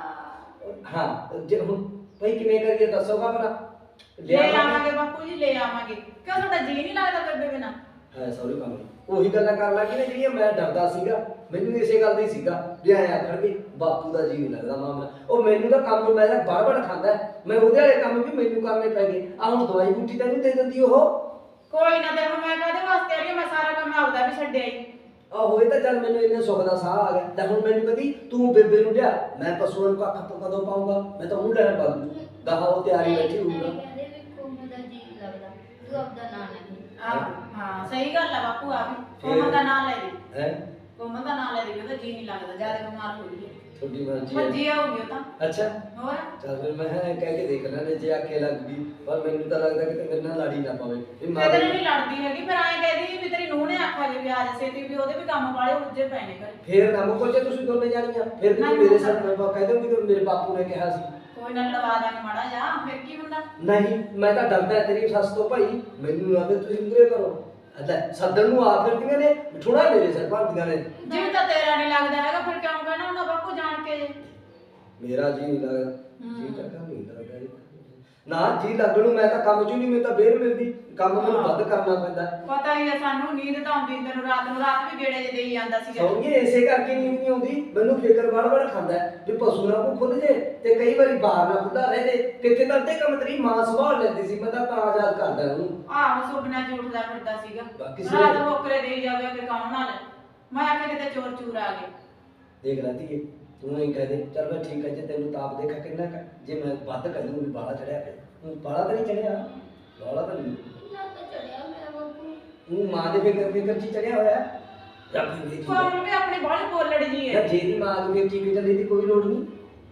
[SPEAKER 1] ਹਾਂ ਜੇ ਹੁਣ ਭਾਈ ਕਿਵੇਂ ਕਰੀਏ ਦੱਸੋਗਾ ਭਲਾ
[SPEAKER 2] ਲੈ ਆਵਾਂਗੇ ਬਾਪੂ ਜੀ ਲੈ ਆਵਾਂਗੇ ਕਿਉਂ ਤੁਹਾਡਾ ਜੀ ਨਹੀਂ ਲੱਗਦਾ ਬੇਬੇ ਬਿਨਾ
[SPEAKER 1] ਹੈ ਸੌਰੀ ਕੰਮ ਉਹੀ ਗੱਲਾਂ ਕਰਨ ਲੱਗੀ ਨਾ ਜਿਹੜੀਆਂ ਮੈਂ ਡਰਦਾ ਸੀਗਾ ਮੈਨੂੰ ਇਸੇ ਗੱਲ ਦਾ ਹੀ ਸੀਗਾ ਵੀ ਐ ਆਖਣਗੇ ਬਾਪੂ ਦਾ ਜੀ ਨਹੀਂ ਲੱਗਦਾ ਮਾਮਾ ਉਹ ਮੈਨੂੰ ਤਾਂ ਕੰਮ ਮੈਂ ਤਾਂ ਬੜ ਖਾਂਦਾ ਮੈਂ ਉਹਦੇ ਵਾਲੇ ਕੰਮ ਵੀ ਮੈਨੂੰ ਕਰਨੇ ਪੈ ਗਏ ਆ ਹੁਣ ਦਵਾਈ ਬੂਟੀ ਤੈਨੂੰ ਦੇ ਦਿੰਦੀ ਉਹ
[SPEAKER 2] ਕੋਈ ਨਾ ਤੇ ਹੁਣ ਮੈਂ ਕਾਹਦੇ ਵਾਸਤੇ ਆ ਰਹੀ ਹਾਂ, ਮੈਂ ਸਾਰਾ ਕੰਮ ਆਪਦਾ ਵੀ ਛੱਡਿਆ ਹੀ
[SPEAKER 1] ਆ ਹੋਏ ਤਾਂ ਚੱਲ ਮੈਨੂੰ ਇੰਨੇ ਸੁੱਖ ਦਾ ਸਾਹ ਆ ਗਿਆ ਤਾਂ ਹੁਣ ਮੈਨੂੰ ਕਹਦੀ ਤੂੰ ਬੇਬੇ ਨੂੰ ਲਿਆ ਮੈਂ ਪਸ਼ੂਆਂ ਨੂੰ ਕੱਖ ਤੋਂ ਕਦੋਂ ਪਾਉਂਗਾ ਮੈਂ ਤਾਂ ਉਹਨੂੰ ਲੈਣ ਬਾਗੂ ਗਾਹਾਂ ਉਹ ਤਿਆਰੀ ਬੈਠੀ ਹੋਊਗਾ
[SPEAKER 3] ਕਹਿੰਦੇ ਵੀ ਕੋਮਲ ਦਾ ਜੀ ਲੱਗਦਾ ਤੂੰ ਆਪਦਾ ਨਾਂ ਨਹੀਂ।
[SPEAKER 2] ਹਾਂ ਸਹੀ ਗੱਲ ਆ ਬਾਪੂ ਆ ਵੀ ਕੋਮਲ ਦਾ ਨਾਂ ਲੈ ਦੇ
[SPEAKER 1] ਹੈ
[SPEAKER 2] ਕੋਮਲ ਦਾ ਨਾਂ ਲੈ ਦੇ ਕਹਿੰਦਾ ਜੀ ਨਹੀਂ ਲੱਗਦਾ ਜਿਆਦਾ ਬਿਮਾਰ ਹੋ ਗਈ ਹੈ
[SPEAKER 1] ਤੁਹਾਡੀ ਮਰਜ਼ੀ
[SPEAKER 2] ਭੱਜੀ ਆਉਗੀ ਉਹ ਤਾਂ
[SPEAKER 1] ਅੱਛਾ
[SPEAKER 2] ਹੋਰ
[SPEAKER 1] ਚੱਲ ਫਿਰ ਮੈਂ ਕਹਿ ਕੇ ਦੇਖ ਲੈਣੇ ਜੇ ਆਖੇ ਲੱਗ ਗਈ ਪਰ ਮੈਨੂੰ ਤਾਂ ਲੱਗਦਾ ਕਿ ਮੇਰੇ ਨਾਲ ਲੜੀ ਨਾ ਪਵੇ ਵੀ ਮਾਂ
[SPEAKER 2] ਤੇਰੇ ਨਹੀਂ ਲੜਦੀ ਹੈਗੀ ਫਿਰ ਐਂ ਕਹਿੰਦੀ ਵੀ ਤੇਰੀ ਨੂੰਹ ਨੇ ਆਖਿਆ ਜੇ ਵੀ ਆ ਜਾ ਛੇਤੀ ਵੀ ਉਹਦੇ ਵੀ ਕੰਮ ਵਾਲੇ ਉੱਜੇ ਪੈ ਨੇ ਘਰੇ
[SPEAKER 1] ਫੇਰ ਨਾ ਮੁੱਕੋ ਜੇ ਤੁਸੀਂ ਦੋਨੇ ਜਾਣੀਆਂ ਫਿਰ ਵੀ
[SPEAKER 2] ਨਹੀਂ,
[SPEAKER 1] ਮੇਰੇ ਸਾਥ ਮੈਂ ਕਹਿ ਦਊਂਗੀ ਕਿ ਮੇਰੇ ਬਾਪੂ ਨੇ ਕਿਹਾ ਸੀ
[SPEAKER 2] ਕੋਈ ਨਾ ਲੜਵਾ ਦਾਂਗੇ ਮਾੜਾ ਜਾ ਫਿਰ ਕੀ ਹੁੰਦਾ
[SPEAKER 1] ਨਹੀਂ ਮੈਂ ਤਾਂ ਡਰਦਾ ਤੇਰੀ ਸੱਸ ਤੋਂ ਭਾਈ ਮੈਨੂੰ ਨਾ ਤੇ ਤੁਸੀਂ ਮੁਰੇ ਕਰੋ ਅੱਛਾ ਸੱਦਣ ਨੂੰ ਆ ਫਿਰਦੀਆਂ ਨੇ ਥੋੜਾ ਮੇਰੇ ਸਿਰ ਭਰਦੀਆਂ ਨੇ
[SPEAKER 2] ਜਿਵੇਂ ਤਾਂ ਤੇਰਾ ਨਹੀਂ ਲੱਗਦਾ ਹੈਗਾ ਫਿਰ ਕਿਉਂ ਕਹਿਣਾ ਹੁੰਦਾ ਬਾਪੂ ਜਾਣ ਕੇ
[SPEAKER 1] ਮੇਰਾ ਜੀ ਨਹੀਂ ਲੱਗਦਾ ਜੀ ਤਾਂ ਕੰਮ ਨਹੀਂ ਲੱਗਦਾ ਨਾ ਜੀ ਲੱਗਣ ਨੂੰ ਮੈਂ ਤਾਂ ਕੰਮ ਚੋਂ ਨਹੀਂ ਮੈਨੂੰ ਤਾਂ ਬੇਰ ਮਿਲਦੀ ਕੰਮ ਮੈਨੂੰ ਵੱਧ ਕਰਨਾ ਪੈਂਦਾ
[SPEAKER 2] ਪਤਾ ਹੀ ਹੈ ਸਾਨੂੰ ਨੀਂਦ ਤਾਂ ਆਉਂਦੀ ਤੈਨੂੰ ਰਾਤ ਵੀ ਗੇੜੇ ਜੇ ਦੇਈ ਜਾਂਦਾ ਸੀਗਾ
[SPEAKER 1] ਸੌਂਗੇ ਇਸੇ ਕਰਕੇ ਨੀਂਦ ਨਹੀਂ ਆਉਂਦੀ ਮੈਨੂੰ ਫਿਕਰ ਵੜ ਖਾਂਦਾ ਵੀ ਪਸ਼ੂ ਨਾ ਕੋ ਖੁੱਲ ਜੇ ਤੇ ਕਈ ਵਾਰੀ ਬਾਹਰ ਨਾ ਖੁੱਲਾ ਰਹੇ ਜੇ ਕਿੱਥੇ ਤਾਂ ਅੱਧੇ ਕੰਮ ਤੇਰੀ ਮਾਂ ਸੰਭਾਲ ਲੈਂਦੀ ਸੀ ਮੈਂ ਤਾਂ ਯਾਦ ਕਰਦਾ ਉਹਨੂੰ
[SPEAKER 2] ਆਹੋ ਸੁਪਨਾ ਚ ਉੱਠਦਾ ਫਿਰਦਾ ਸੀਗਾ
[SPEAKER 1] ਬਾਕੀ
[SPEAKER 2] ਰਾਤ ਬੋਕਰੇ ਦੇਈ ਜਾਵੇ ਕਿ ਕੌਣ ਨਾਲ ਮੈਂ ਆਖਿਆ ਕਿਤੇ ਚੋਰ ਚੂਰ ਆ ਗਏ
[SPEAKER 1] ਦੇਖ ਲੈ ਧੀਏ ਤੂੰ ਹੀ ਕਹਿ ਦੇ ਚੱਲ ਮੈਂ ਠੀਕ ਹੈ ਜੇ ਤੈਨੂੰ ਤਾਪ ਦੇਖਾ ਕਿੰਨਾ ਕੁ ਜੇ ਮੈਂ ਵੱਧ ਕਹਿ ਦੂੰ ਵੀ ਬਾਲਾ ਚੜਿਆ ਪਿਆ ਤੂੰ ਬਾਲਾ ਤਾਂ ਨਹੀਂ ਚੜਿਆ ਬਾਲਾ ਤਾਂ ਨਹੀਂ
[SPEAKER 3] ਨਾ ਤਾਂ ਚੜਿਆ ਮੇਰਾ ਬਾਪੂ।
[SPEAKER 1] ਤੂੰ ਮਾਂ ਦੇ ਫਿਕਰ ਚ ਚੜਿਆ ਹੋਇਆ ਰੱਬ ਦੀ
[SPEAKER 2] ਕੋਮਲ ਵੀ ਆਪਣੀ ਬਾਹਲੀ ਬੋਲੜੀ ਜੀ
[SPEAKER 1] ਯਾਰ
[SPEAKER 2] ਹੈ
[SPEAKER 1] ਜੇ ਦੀ ਮਾਂ ਨੂੰ ਠੀਕ ਚੱਲੀ ਦੀ ਕੋਈ ਲੋੜ ਨਹੀਂ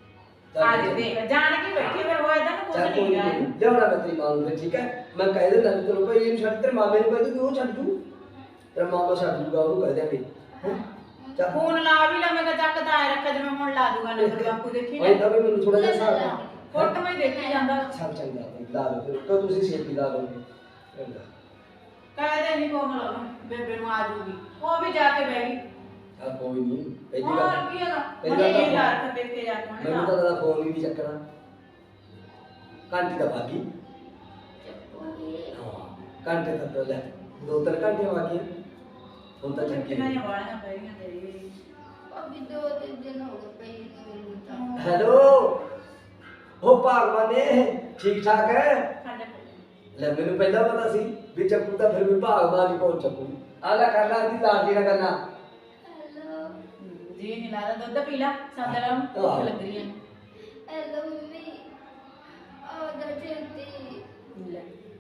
[SPEAKER 2] ਅੱਜ ਦੇਖ ਜਾਣ ਕੇ ਬੈਠੀ ਫਿਰ ਹੋਇਆ ਤਾਂ ਕੁਝ
[SPEAKER 1] ਚੱਲ ਕੋਈ
[SPEAKER 2] ਨਹੀਂ ਗਾ
[SPEAKER 1] ਨਹੀਂ ਲਿਆਉਣਾ ਮੈਂ ਤੇਰੀ ਮਾਂ ਨੂੰ ਫਿਰ ਠੀਕ ਹੈ ਮੈਂ ਕਹਿ ਦਿੰਦਾ ਵੀ ਤੈਨੂੰ ਭਾਈ ਇਹਨੂੰ ਛੱਡ ਤੇਰੇ ਮਾਮੇ ਨੂੰ ਕਹਿ ਦੂੰ ਕਿ ਉਹ ਛੱਡ ਜੂ ਤੇਰਾ ਮਾਮਾ ਛੱਡ ਜੂਗਾ ਉਹਨੂੰ ਕਹਿ ਦਿਆਂਗੇ ਹੈਂ? ਚੱਲ
[SPEAKER 2] ਫੋਨ ਲਾ ਵੀ ਲਾ ਮੈਂ ਕਿਹਾ ਚੱਕ ਤਾਂ ਆਏ ਰੱਖਿਆ ਜਿਵੇਂ ਹੁਣ ਲਾ ਦੂਗਾ ਨੰਬਰ ਬਾਪੂ ਦੇਖੀ
[SPEAKER 1] ਭਾਈ
[SPEAKER 2] ਨਾ
[SPEAKER 1] ਤਾਂ ਵੀ ਮੈਨੂੰ ਥੋੜਾ ਜਿਹਾ ਹਿਸਾਬ ਨਾਲ
[SPEAKER 2] ਫੋਟੋ ਮੈਂ ਦੇਖੀ ਜਾਂਦਾ
[SPEAKER 1] ਚੱਲ ਚੰਗਾ ਭਾਈ ਲਾ ਲਓ ਫਿਰ ਕੋ ਤੁਸੀਂ ਛੇਤੀ ਲਾ ਲਓਗੇ ਚੰਗਾ
[SPEAKER 2] ਕਹਿੰਦੇ ਨਹੀਂ ਕੋਮਲ ਉਹਨੂੰ ਬੇਬੇ ਨੂੰ ਆ ਜੂਗੀ ਉਹ ਵੀ ਜਾ ਕੇ ਬਹਿ ਗਈ
[SPEAKER 1] ਚੱਲ ਕੋਈ ਨਹੀਂ ਪਹਿਲੀ
[SPEAKER 2] ਹੋਰ
[SPEAKER 1] ਗੱਲ
[SPEAKER 2] ਕੀ ਹੈਗਾ
[SPEAKER 1] ਪਹਿਲੀ
[SPEAKER 2] ਮੈਂ
[SPEAKER 1] ਗੱਲ
[SPEAKER 2] ਇਹ ਲਾ
[SPEAKER 1] ਤਾਂ
[SPEAKER 2] ਕੇ ਦੇਖ ਕੇ ਜਾ ਕੇ ਉਹਨੇ
[SPEAKER 1] ਮੈਨੂੰ ਤਾਂ ਤੇਰਾ ਫੋਨ ਹੀ ਨਹੀਂ ਚੱਕਣਾ ਘੰਟੀ ਦਾ ਬਾਕੀ
[SPEAKER 3] ਚੱਪੂਗੀ।
[SPEAKER 1] ਹਾਂ ਘੰਟੇ ਤੱਕ ਲੈ 2-3 ਘੰਟੇ ਬਾਕੀ ਹੁਣ ਤਾਂ ਚੱਕੀ
[SPEAKER 2] ਕਿੰਨਾ ਹੀ ਵਾਲੀਆਂ ਪੈ ਗਈਆਂ ਤੇਰੀ
[SPEAKER 3] ਭਾਬੀ 2-3 ਦਿਨ ਹੋ ਗਏ ਪਈ ਨੂੰ ਮੈਨੂੰ ਤਾਂ।
[SPEAKER 1] ਹੈਲੋ ਉਹ ਭਾਗਵਾਨੇ ਠੀਕ ਠਾਕ ਹੈ
[SPEAKER 2] ਸਾਡੇ
[SPEAKER 1] ਲੈ ਮੈਨੂੰ ਪਹਿਲਾਂ ਪਤਾ ਸੀ ਵੀ ਚੱਕੂ ਤਾਂ ਫਿਰ ਵੀ ਭਾਗਵਾਨ ਹੀ ਕੋਲ ਚੱਕੂ ਆਲਾ ਕਰਨਾ ਦੀ ਲਾਡੀ ਨਾ ਕਰਨਾ
[SPEAKER 3] ਹੈਲੋ
[SPEAKER 2] ਜੀ ਨਹੀਂ ਲੱਗਦਾ ਦੁੱਧ ਪੀ ਲਾ ਸੰਦਲਾ ਨੂੰ ਭੁੱਖ ਲੱਗ ਰਹੀ ਹੈ
[SPEAKER 3] ਹੈਲੋ ਮੰਮੀ ਆ ਜਾ ਜਲਦੀ।
[SPEAKER 2] ਲੈ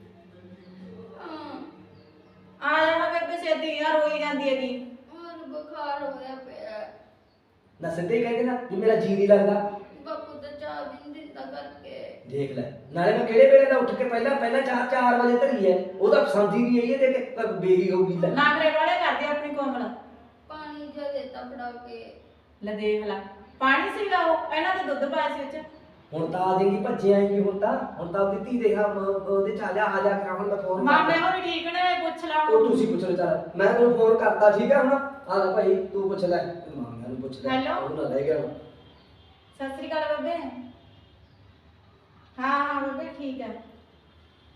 [SPEAKER 3] ਹਾਂ
[SPEAKER 2] ਆ ਜਾਣਾ ਬੇਬੇ ਛੇਤੀ ਯਾਰ ਹੋਈ ਜਾਂਦੀ ਹੈਗੀ
[SPEAKER 3] ਮੈਨੂੰ ਬੁਖਾਰ ਹੋਇਆ ਪਿਆ।
[SPEAKER 1] ਨਾ ਸਿੱਧੇ ਹੀ ਕਹਿੰਦੇ ਨਾ ਵੀ ਮੇਰਾ ਜੀ ਨਹੀਂ ਲੱਗਦਾ
[SPEAKER 3] ਬਾਪੂ ਤਾਂ ਚਾਹ ਵੀ ਨਹੀਂ ਦਿੰਦਾ ਕਰਕੇ।
[SPEAKER 1] ਦੇਖ ਲੈ ਨਾਲੇ ਮੈਂ ਕਿਹੜੇ ਵੇਲੇ ਦਾ ਉੱਠ ਕੇ ਪਹਿਲਾਂ 4 ਵਜੇ ਧਰੀ ਹੈ ਉਹਦਾ ਪਸੰਦ ਹੀ ਨਹੀਂ ਆਈ ਤੇ ਕਿ ਬੇਰੀ ਹੋਊਗੀ ਲੈ
[SPEAKER 2] ਨਾਗਰੇ ਵਾਲੇ ਕਰਦੇ ਆਪਣੀ ਕੋਮਲ
[SPEAKER 3] ਪਾਣੀ ਜਿਹਾ ਦੇਤਾ ਫੜਾ ਕੇ।
[SPEAKER 2] ਲੈ ਦੇਖ ਲੈ ਪਾਣੀ ਸੀਗਾ ਉਹ ਪਹਿਲਾਂ ਤਾਂ ਦੁੱਧ ਪਾਇਆ ਸੀ ਵਿੱਚ
[SPEAKER 1] ਹੁਣ ਤਾਂ ਆ ਜਾਏਗੀ ਭੱਜੇ ਆਏਗੀ ਹੁਣ ਤਾਂ ਉਹਦੀ ਧੀ ਦੇਖਾ ਉਹਦੇ ਚ ਆ ਜਾ ਕਰਾ ਹੁਣ ਮੈਂ ਫੋਨ
[SPEAKER 2] ਮਾਮੇ ਹੋਣੀ ਠੀਕ ਨੇ ਪੁੱਛ ਲਾ
[SPEAKER 1] ਉਹ ਤੁਸੀਂ ਪੁੱਛ ਲਓ ਚੱਲ ਮੈਂ ਤੈਨੂੰ ਫੋਨ ਕਰਤਾ ਠੀਕ ਹੈ ਹੁਣ ਆ ਲੈ ਭਾਈ ਤੂੰ ਪੁੱਛ ਲੈ ਮਾਮਿਆਂ ਨੂੰ ਪੁੱਛ ਲੈ
[SPEAKER 2] ਹੈਲੋ।
[SPEAKER 1] ਉਹ ਨਾ ਰਹਿ ਗਿਆ ਹੁਣ।
[SPEAKER 2] ਸਤਿ ਸ੍ਰੀ ਅਕਾਲ ਬੱਬੇ ਹਾਂ ਹਾਂ ਬੱਬੇ ਠੀਕ ਹੈ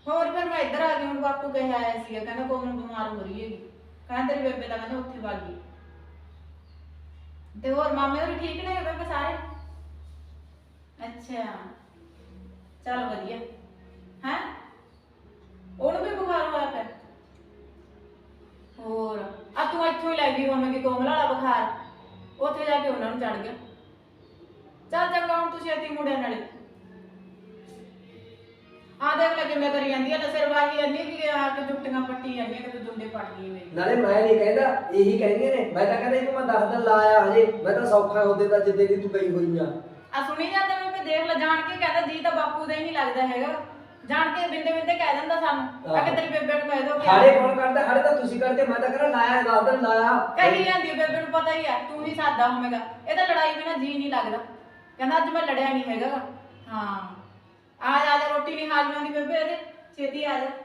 [SPEAKER 2] ਹੋਰ ਫਿਰ ਮੈਂ ਇੱਧਰ ਆ ਗਈ। ਹੁਣ ਬਾਪੂ ਕਹਿ ਆਇਆ ਸੀਗਾ, ਕਹਿੰਦਾ ਕੋਮਲ ਬਿਮਾਰ ਹੋ ਰਹੀ ਹੈਗੀ, ਕਹਿੰਦਾ ਤੇਰੀ ਬੇਬੇ ਦਾ ਕਹਿੰਦਾ ਉੱਥੇ ਵਗ ਗਈ। ਤੇ ਹੋਰ ਮਾਮੇ ਹੋਰ ਠੀਕ ਨੇ ਬੇਬੇ ਸਾਰੇ? ਅੱਛਾ ਚੱਲ ਵਧੀਆ ਹੈ। ਉਹਨੂੰ ਵੀ ਬੁਖਾਰ ਹੋਇਆ ਪਿਆ? ਹੋਰ ਆ ਤੂੰ ਇੱਥੋਂ ਹੀ ਲੈ ਗਈ ਹੋਵੇਂਗੀ ਕੋਮਲ ਵਾਲਾ ਬੁਖਾਰ, ਉੱਥੇ ਜਾ ਕੇ ਉਹਨਾਂ ਨੂੰ ਚੜ ਗਿਆ। ਚੱਲ ਚੰਗਾ ਹੁਣ ਤੁਸੀਂ ਛੇਤੀ ਮੁੜਿਆ ਨਾਲੇ। ਆ ਦੇਖ ਲੈ ਕਿਵੇਂ ਕਰੀ ਜਾਂਦੀ ਹੈ, ਸਿਰ ਵਾਹੀ ਇੰਨੀ ਕਿ ਆ ਕੇ ਜੁੱਟੀਆਂ ਪੱਟੀ ਜਾਂਦੀਆਂ ਕਿ ਦੁੰਡੇ ਪੱਟ ਗਈ ਮੇਰੀ।
[SPEAKER 1] ਨਾਲੇ ਮੈਂ ਨਹੀਂ ਕਹਿੰਦਾ, ਇਹੀ ਕਹਿੰਦੀਆਂ ਨੇ। ਮੈਂ ਤਾਂ ਕਹਿੰਦਾ ਇਹਨੂੰ ਮੈਂ 10 ਦਿਨ ਲਾਇਆ ਹਜੇ, ਮੈਂ ਤਾਂ ਸੌਖਾ ਹੁੰਦੇ ਤਾਂ ਜਿੱਦੇ ਦੀ ਤੂੰ ਗਈ ਹੋਈ ਆ
[SPEAKER 2] ਸੁਣੀ ਜਾਂਦਾ ਮੈਂ ਦੇਖ ਲੈ, ਜਾਣ ਕੇ ਕਹਿੰਦਾ ਜੀ ਤਾਂ ਬਾਪੂ ਦਾ ਹੀ ਨਹੀਂ ਲੱਗਦਾ ਹੈਗਾ, ਜਾਣ ਕੇ ਬਿੰਦੇ ਬਿੰਦੇ ਕਹਿ ਦਿੰਦਾ ਸਾਨੂੰ ਆ ਕਿ ਤੇਰੀ ਬੇਬੇ ਨੂੰ ਕਹਿ ਦੋ।
[SPEAKER 1] ਹਾੜੇ ਕੌਣ ਕਰਦਾ? ਹਾੜੇ ਤਾਂ ਤੁਸੀਂ ਕਰਦੇ। ਮੈਂ ਤਾਂ ਕਹਿੰਦਾ ਲਾਇਆ 10 ਦਿਨ ਲਾਇਆ।
[SPEAKER 2] ਕਹੀ ਜਾਂਦੀ ਬੇਬੇ ਨੂੰ ਪਤਾ ਹੀ ਆ, ਤੂੰ ਹੀ ਸਾਦਾ ਹੋਵੇਂਗਾ। ਇਹ ਤਾਂ ਲੜਾਈ ਬਿਨਾ ਜੀ ਨਹੀਂ ਲੱਗਦਾ, ਕਹਿੰਦਾ ਅੱਜ ਮੈਂ ਲੜਿਆ ਨਹੀਂ ਹੈਗਾ। ਹਾਂ ਆ ਜਾ ਰੋਟੀ ਨਹੀਂ ਹਾਜ਼ਮ ਆਉਂਦੀ ਬੇਬੇ ਇਹਦੇ, ਛੇਤੀ ਆ ਜਾ।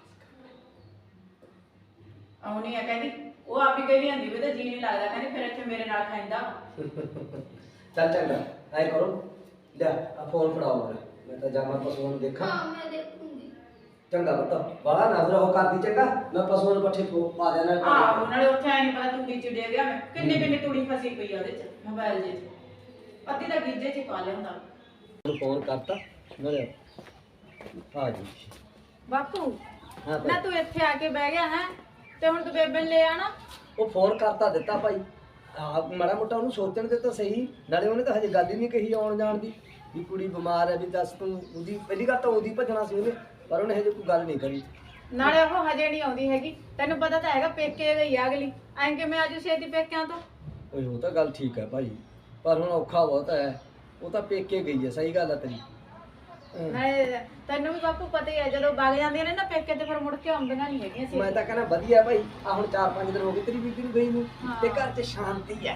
[SPEAKER 2] ਆਉਣੀ ਆ ਕਹਿੰਦੀ, ਉਹ ਆਪ ਹੀ ਕਹੀ ਜਾਂਦੀ ਵੀ ਤਾਂ ਜੀ ਨਹੀਂ ਲੱਗਦਾ, ਕਹਿੰਦੀ ਫਿਰ ਇੱਥੇ ਮੇਰੇ ਨਾਲ ਖਾਂਦਾ।
[SPEAKER 1] ਚੱਲ ਚੰਗਾ ਐ ਕਰੋ, ਲੈ ਆ ਫੋਨ ਫੜਾਓ ਮੈਂ ਤਾਂ ਜਾਵਾਂ ਪਸ਼ੂਆਂ ਨੂੰ ਦੇਖਾਂ।
[SPEAKER 3] ਹਾਂ ਮੈਂ ਦੇਖੂੰਗੀ।
[SPEAKER 1] ਚੰਗਾ ਪੁੱਤ ਬਾਲਾ ਨਾ ਫਿਰ ਉਹ ਕਰਦੀ। ਚੰਗਾ ਮੈਂ ਪਸ਼ੂਆਂ ਨੂੰ ਪੱਠੇ ਪਾ ਦੇਣਾ।
[SPEAKER 2] ਆਹੋ ਨਾਲੇ ਉੱਥੇ ਆਈ ਨਹੀਂ ਪਤਾ ਤੂੜੀ ਚ ਡੇ ਗਿਆ ਮੈਂ, ਕਿੰਨੀ ਕਿੰਨੀ ਤੂੜੀ ਫਸੀ ਪਈ ਆ ਉਹਦੇ ਚ ਮੋਬਾਈਲ ਜੇ ਚ, ਅੱਧੀ ਤਾਂ ਗੀਜੇ ਚ ਹੀ ਪਾ ਲਿਆਉਂਦਾ।
[SPEAKER 1] ਉਹਨੂੰ ਫੋਨ ਕਰਤਾ ਮੇਰੇ ਆ ਜੀ।
[SPEAKER 2] ਬਾਪੂ
[SPEAKER 1] ਹਾਂ
[SPEAKER 2] ਨਾ ਤੂੰ ਇੱਥੇ ਆ ਕੇ ਬਹਿ ਗਿਆ ਹੈ, ਤੇ ਹੁਣ ਤੂੰ ਬੇਬੇ ਨੂੰ ਲੈ ਆਣਾ।
[SPEAKER 1] ਉਹ ਫੋਨ ਕਰਤਾ ਦਿੱਤਾ ਭਾਈ, ਆ ਮਾੜਾ ਮੋਟਾ ਉਹਨੂੰ ਸੋਚਣ ਦੇ ਤਾਂ ਸਹੀ। ਨਾਲੇ ਉਹਨੇ ਤਾਂ ਹਜੇ ਗੱਲ ਹੀ ਨਹੀਂ ਕਹੀ ਆਉਣ ਜਾਣ ਦੀ, ਵੀ ਕੁੜੀ ਬਿਮਾਰ ਹੈ, ਵੀ ਦੱਸ ਤੂੰ। ਉਹਦੀ ਪਹਿਲੀ ਗੱਲ ਤਾਂ ਉਹਦੀ ਭੱਜਣਾ ਸੀ ਉਹਨੇ, ਪਰ ਉਹਨੇ ਹਜੇ ਕੋਈ ਗੱਲ ਨਹੀਂ ਕਰੀ।
[SPEAKER 2] ਨਾਲੇ ਉਹ ਹਜੇ ਨਹੀਂ ਆਉਂਦੀ ਹੈਗੀ, ਤੈਨੂੰ ਪਤਾ ਤਾਂ ਹੈਗਾ ਪੇਕੇ ਗਈ ਆ ਅਗਲੀ, ਐਂ ਕਿ ਮੈਂ ਆਜੂ ਛੇਤੀ ਪੇਕਿਆਂ ਤੋਂ।
[SPEAKER 1] ਓਏ ਉਹ ਤਾਂ ਗੱਲ ਠੀਕ ਹੈ ਭਾਈ, ਪਰ ਹੁਣ ਔਖਾ ਬਹੁਤ ਹੈ। ਉਹ ਤਾਂ ਪੇਕੇ ਗਈ ਹੈ, ਸਹੀ ਗੱਲ ਹੈ ਤੇਰੀ।
[SPEAKER 2] ਮੈਂ ਤੈਨੂੰ ਵੀ ਬਾਪੂ ਪਤਾ ਹੀ ਹੈ, ਜਦੋਂ ਵਗ ਜਾਂਦੀਆਂ ਨੇ ਨਾ ਪੇਕੇ ਤੇ ਫਿਰ ਮੁੜ ਕੇ ਆਉਂਦੀਆਂ ਨਹੀਂ ਹੈਗੀਆਂ ਸੀ।
[SPEAKER 1] ਮੈਂ ਤਾਂ ਕਹਿੰਦਾ ਵਧੀਆ ਭਾਈ, ਆ ਹੁਣ 4-5 ਦਿਨ ਹੋ ਗਏ ਤੇਰੀ ਬੀਬੀ ਨੂੰ ਗਈ ਨੂੰ, ਤੇ ਘਰ 'ਚ ਸ਼ਾਂਤੀ ਹੈ।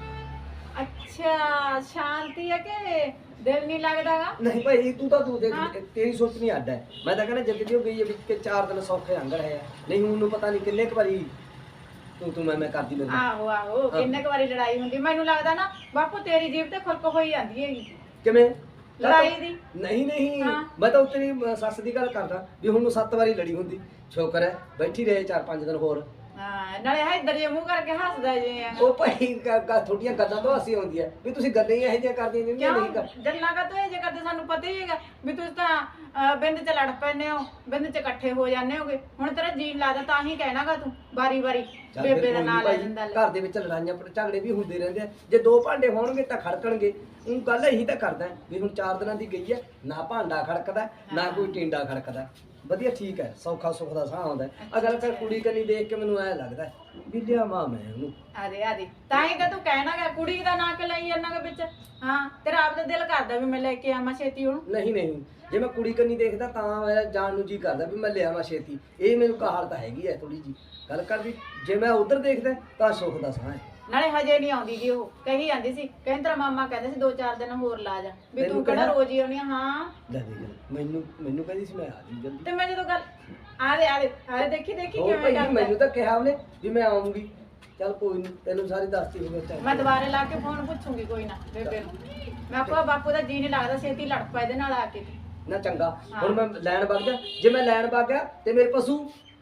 [SPEAKER 2] ਅੱਛਾ ਸ਼ਾਂਤੀ ਹੈ ਕਿ ਦਿਲ ਨਹੀਂ ਲੱਗਦਾਗਾ?
[SPEAKER 1] ਨਹੀਂ ਭਾਈ ਤੂੰ ਤਾਂ ਤੂੰ ਦੇਖ, ਤੇਰੀ ਸੋਚਣੀ ਅੱਡ ਹੈ। ਮੈਂ ਤਾਂ ਕਹਿੰਦਾ ਜਿੱਦ ਦੀ ਉਹ ਗਈ ਹੈ ਵਿੱਚ ਕੇ 4 ਦਿਨ ਸੌਖੇ ਅੰਗੜ ਹੈ। ਨਹੀਂ ਹੁਣ ਨੂੰ ਪਤਾ ਨਹੀਂ ਕਿੰਨੇ ਕੁ ਵਾਰੀ ਤੂੰ ਮੈਂ ਕਰਦੀ ਲੱਗੀ।
[SPEAKER 2] ਆਹੋ ਆਹੋ ਕਿੰਨੇ ਕੁ ਵਾਰੀ ਲੜਾਈ ਹੁੰਦੀ। ਮੈਨੂੰ ਲੱਗਦਾ ਨਾ ਬਾਪੂ ਤੇਰੀ ਜੀਭ ਤੇ ਖੁਰਕ ਹੋਈ ਜਾਂਦੀ ਹੈਗੀ
[SPEAKER 1] ਕਿਵੇਂ
[SPEAKER 2] ਲੜਾਈ ਦੀ।
[SPEAKER 1] ਨਹੀਂ ਮੈਂ ਤਾਂ ਤੇਰੀ ਸੱਸ ਦੀ ਗੱਲ ਕਰਦਾ ਵੀ ਹੁਣ ਨੂੰ 7 ਵਾਰੀ ਲੜੀ ਹੁੰਦੀ। ਸ਼ੁਕਰ ਹੈ ਬੈਠੀ ਰਹੇ 4-5 ਦਿਨ ਹੋਰ।
[SPEAKER 2] ਹਾਂ ਨਾਲੇ ਇੱਧਰ ਜੇ ਮੂੰਹ ਕਰਕੇ ਹੱਸਦਾ ਜੇ।
[SPEAKER 1] ਉਹ ਭਾਈ ਥੋੜੀਆਂ ਗੱਲਾਂ ਤੋਂ ਹੱਸੀ ਆਉਂਦੀ ਹੈ ਵੀ ਤੁਸੀਂ ਗੱਲਾਂ ਹੀ ਇਹੋ ਜਿਹੀਆਂ ਕਰਦੀਆਂ ਜਿਹੜੀਆਂ ਨਹੀਂ ਕਰ।
[SPEAKER 2] ਗੱਲਾਂ ਕਾ ਤੋਂ ਇਹ ਜੇ ਕਰਦੇ ਸਾਨੂੰ ਪਤਾ ਹੀ ਹੈਗਾ ਵੀ ਤੁਸੀਂ ਤਾਂ ਬਿੰਦ ਚ ਲੜ ਪੈਨੇ ਹੋ, ਬਿੰਦ ਚ ਇਕੱਠੇ ਹੋ ਜਾਂਦੇ ਹੋਗੇ। ਹੁਣ ਤੇਰਾ ਜੀਨ ਲੱਗਦਾ ਤਾਂ ਹੀ ਕਹਿਣਾਗਾ ਤੂੰ ਵਾਰੀ ਬੇਬੇ ਦਾ ਨਾਂ ਲੈ ਜਾਂਦਾ।
[SPEAKER 1] ਘਰ ਦੇ ਵਿੱਚ ਲੜਾਈਆਂ ਝਗੜੇ ਵੀ ਹੁੰਦੇ ਰਹਿੰਦੇ ਆ। ਜੇ 2 ਭਾਂਡੇ ਹੋਣਗੇ ਤਾਂ ਖੜਕਣਗੇ। ਉਹ ਗੱਲ ਇਹੀ ਤਾਂ ਕਰਦਾ ਵੀ ਹੁਣ 4 ਦਿਨਾਂ ਦੀ ਗਈ ਹੈ, ਨਾ ਭਾਂਡਾ ਖੜਕਦਾ ਨਾ ਕੋਈ ਟਿੰਡਾ ਖੜਕਦਾ। ਵਧੀਆ ਠੀਕ ਹੈ, ਸੌਖਾ ਸੁੱਖ ਦਾ ਸਾਹ ਆਉਂਦਾ। ਅਗਰ ਕਰ ਕੁੜੀ ਕੰਨੀ ਦੇਖ ਕੇ ਮੈਨੂੰ ਐ ਲੱਗਦਾ ਵੀ ਲਿਆਵਾਂ ਮੈਂ ਉਹਨੂੰ।
[SPEAKER 2] ਆਦੇ ਤਾਂ ਹੀ ਤਾਂ ਤੂੰ ਕਹਿਣਾਗਾ ਕੁੜੀ ਦਾ ਨਾਂ ਕਿ ਲਈ ਜਾਂਦਾਗਾ ਵਿੱਚ। ਹਾਂ ਤੇਰਾ ਆਪ ਦਾ ਦਿਲ ਕਰਦਾ ਵੀ ਮੈਂ ਲੈ ਕੇ ਆਵਾਂ ਛੇਤੀ ਉਹਨੂੰ।
[SPEAKER 1] ਨਹੀਂ ਜੇ ਮੈਂ ਕੁੜੀ ਕੰਨੀ ਦੇਖਦਾ ਤਾਂ ਮੇਰਾ ਜਾਣ ਨੂੰ ਜੀ ਕਰਦਾ ਵੀ ਮੈਂ ਲਿਆਵਾਂ ਛੇਤੀ। ਇਹ ਮੈਨੂੰ ਕਹਾਲ ਤਾਂ ਹੈਗੀ ਹੈ ਥੋੜੀ ਜੀ ਗੱਲ ਕਰਦੀ। ਜੇ ਮੈਂ ਉਧਰ ਦੇਖਦਾ ਤਾਂ ਸੁੱਖ ਦਾ ਸਾਹ ਹੈ।
[SPEAKER 2] ਨਾਲੇ ਹਜੇ ਨਹੀਂ ਆਉਂਦੀ ਜੀ, ਉਹ ਕਹੀ ਜਾਂਦੀ ਸੀ ਕਹਿੰਦਾ ਤੇਰਾ ਮਾਮਾ ਕਹਿੰਦਾ ਸੀ 2-4 ਦਿਨ ਹੋਰ ਲਾ ਜਾ ਵੀ ਤੂੰ ਕਿਹੜਾ ਰੋਜ਼ ਹੀ ਆਉਣੀ ਆ। ਹਾਂ
[SPEAKER 1] ਲੈ ਦੇਖ ਮੈਨੂੰ ਕਹਿੰਦੀ ਸੀ ਮੈਂ ਆ ਜੂ ਜਲਦੀ।
[SPEAKER 2] ਤੇ ਮੈਂ ਜਦੋਂ ਗੱਲ ਆਦੇ ਦੇਖੀ
[SPEAKER 1] ਹੋਰ
[SPEAKER 2] ਕਿਵੇਂ
[SPEAKER 1] ਭਾਈ
[SPEAKER 2] ਕਰਦਾ।
[SPEAKER 1] ਮੈਨੂੰ ਤਾਂ ਕਿਹਾ ਉਹਨੇ ਵੀ ਮੈਂ ਆਉਂਗੀ। ਚੱਲ ਕੋਈ ਨਹੀਂ ਤੈਨੂੰ ਸਾਰੀ ਦੱਸਤੀ ਹੋਵੇ।
[SPEAKER 2] ਮੈਂ ਦੁਬਾਰੇ ਲਾ ਕੇ ਫੋਨ ਪੁੱਛੂਗੀ ਕੋਈ ਨਾ ਬੇਬੇ ਨੂੰ। ਮੈਂ ਆਪਾ ਬਾਪੂ ਦਾ ਜੀ ਨਹੀਂ ਲੱਗਦਾ, ਛੇਤੀ ਲੜ ਪਾ ਇਹਦੇ ਨਾਲ ਆ ਕੇ।
[SPEAKER 1] ਨਾ ਚੰਗਾ ਹੁਣ ਮੈਂ ਲੈਣ ਵਗ ਜਾ। ਜੇ ਮੈਂ ਲੈਣ ਵਗ ਗਿਆ ਤੇ ਮੇਰੇ ਪਸ਼ੂ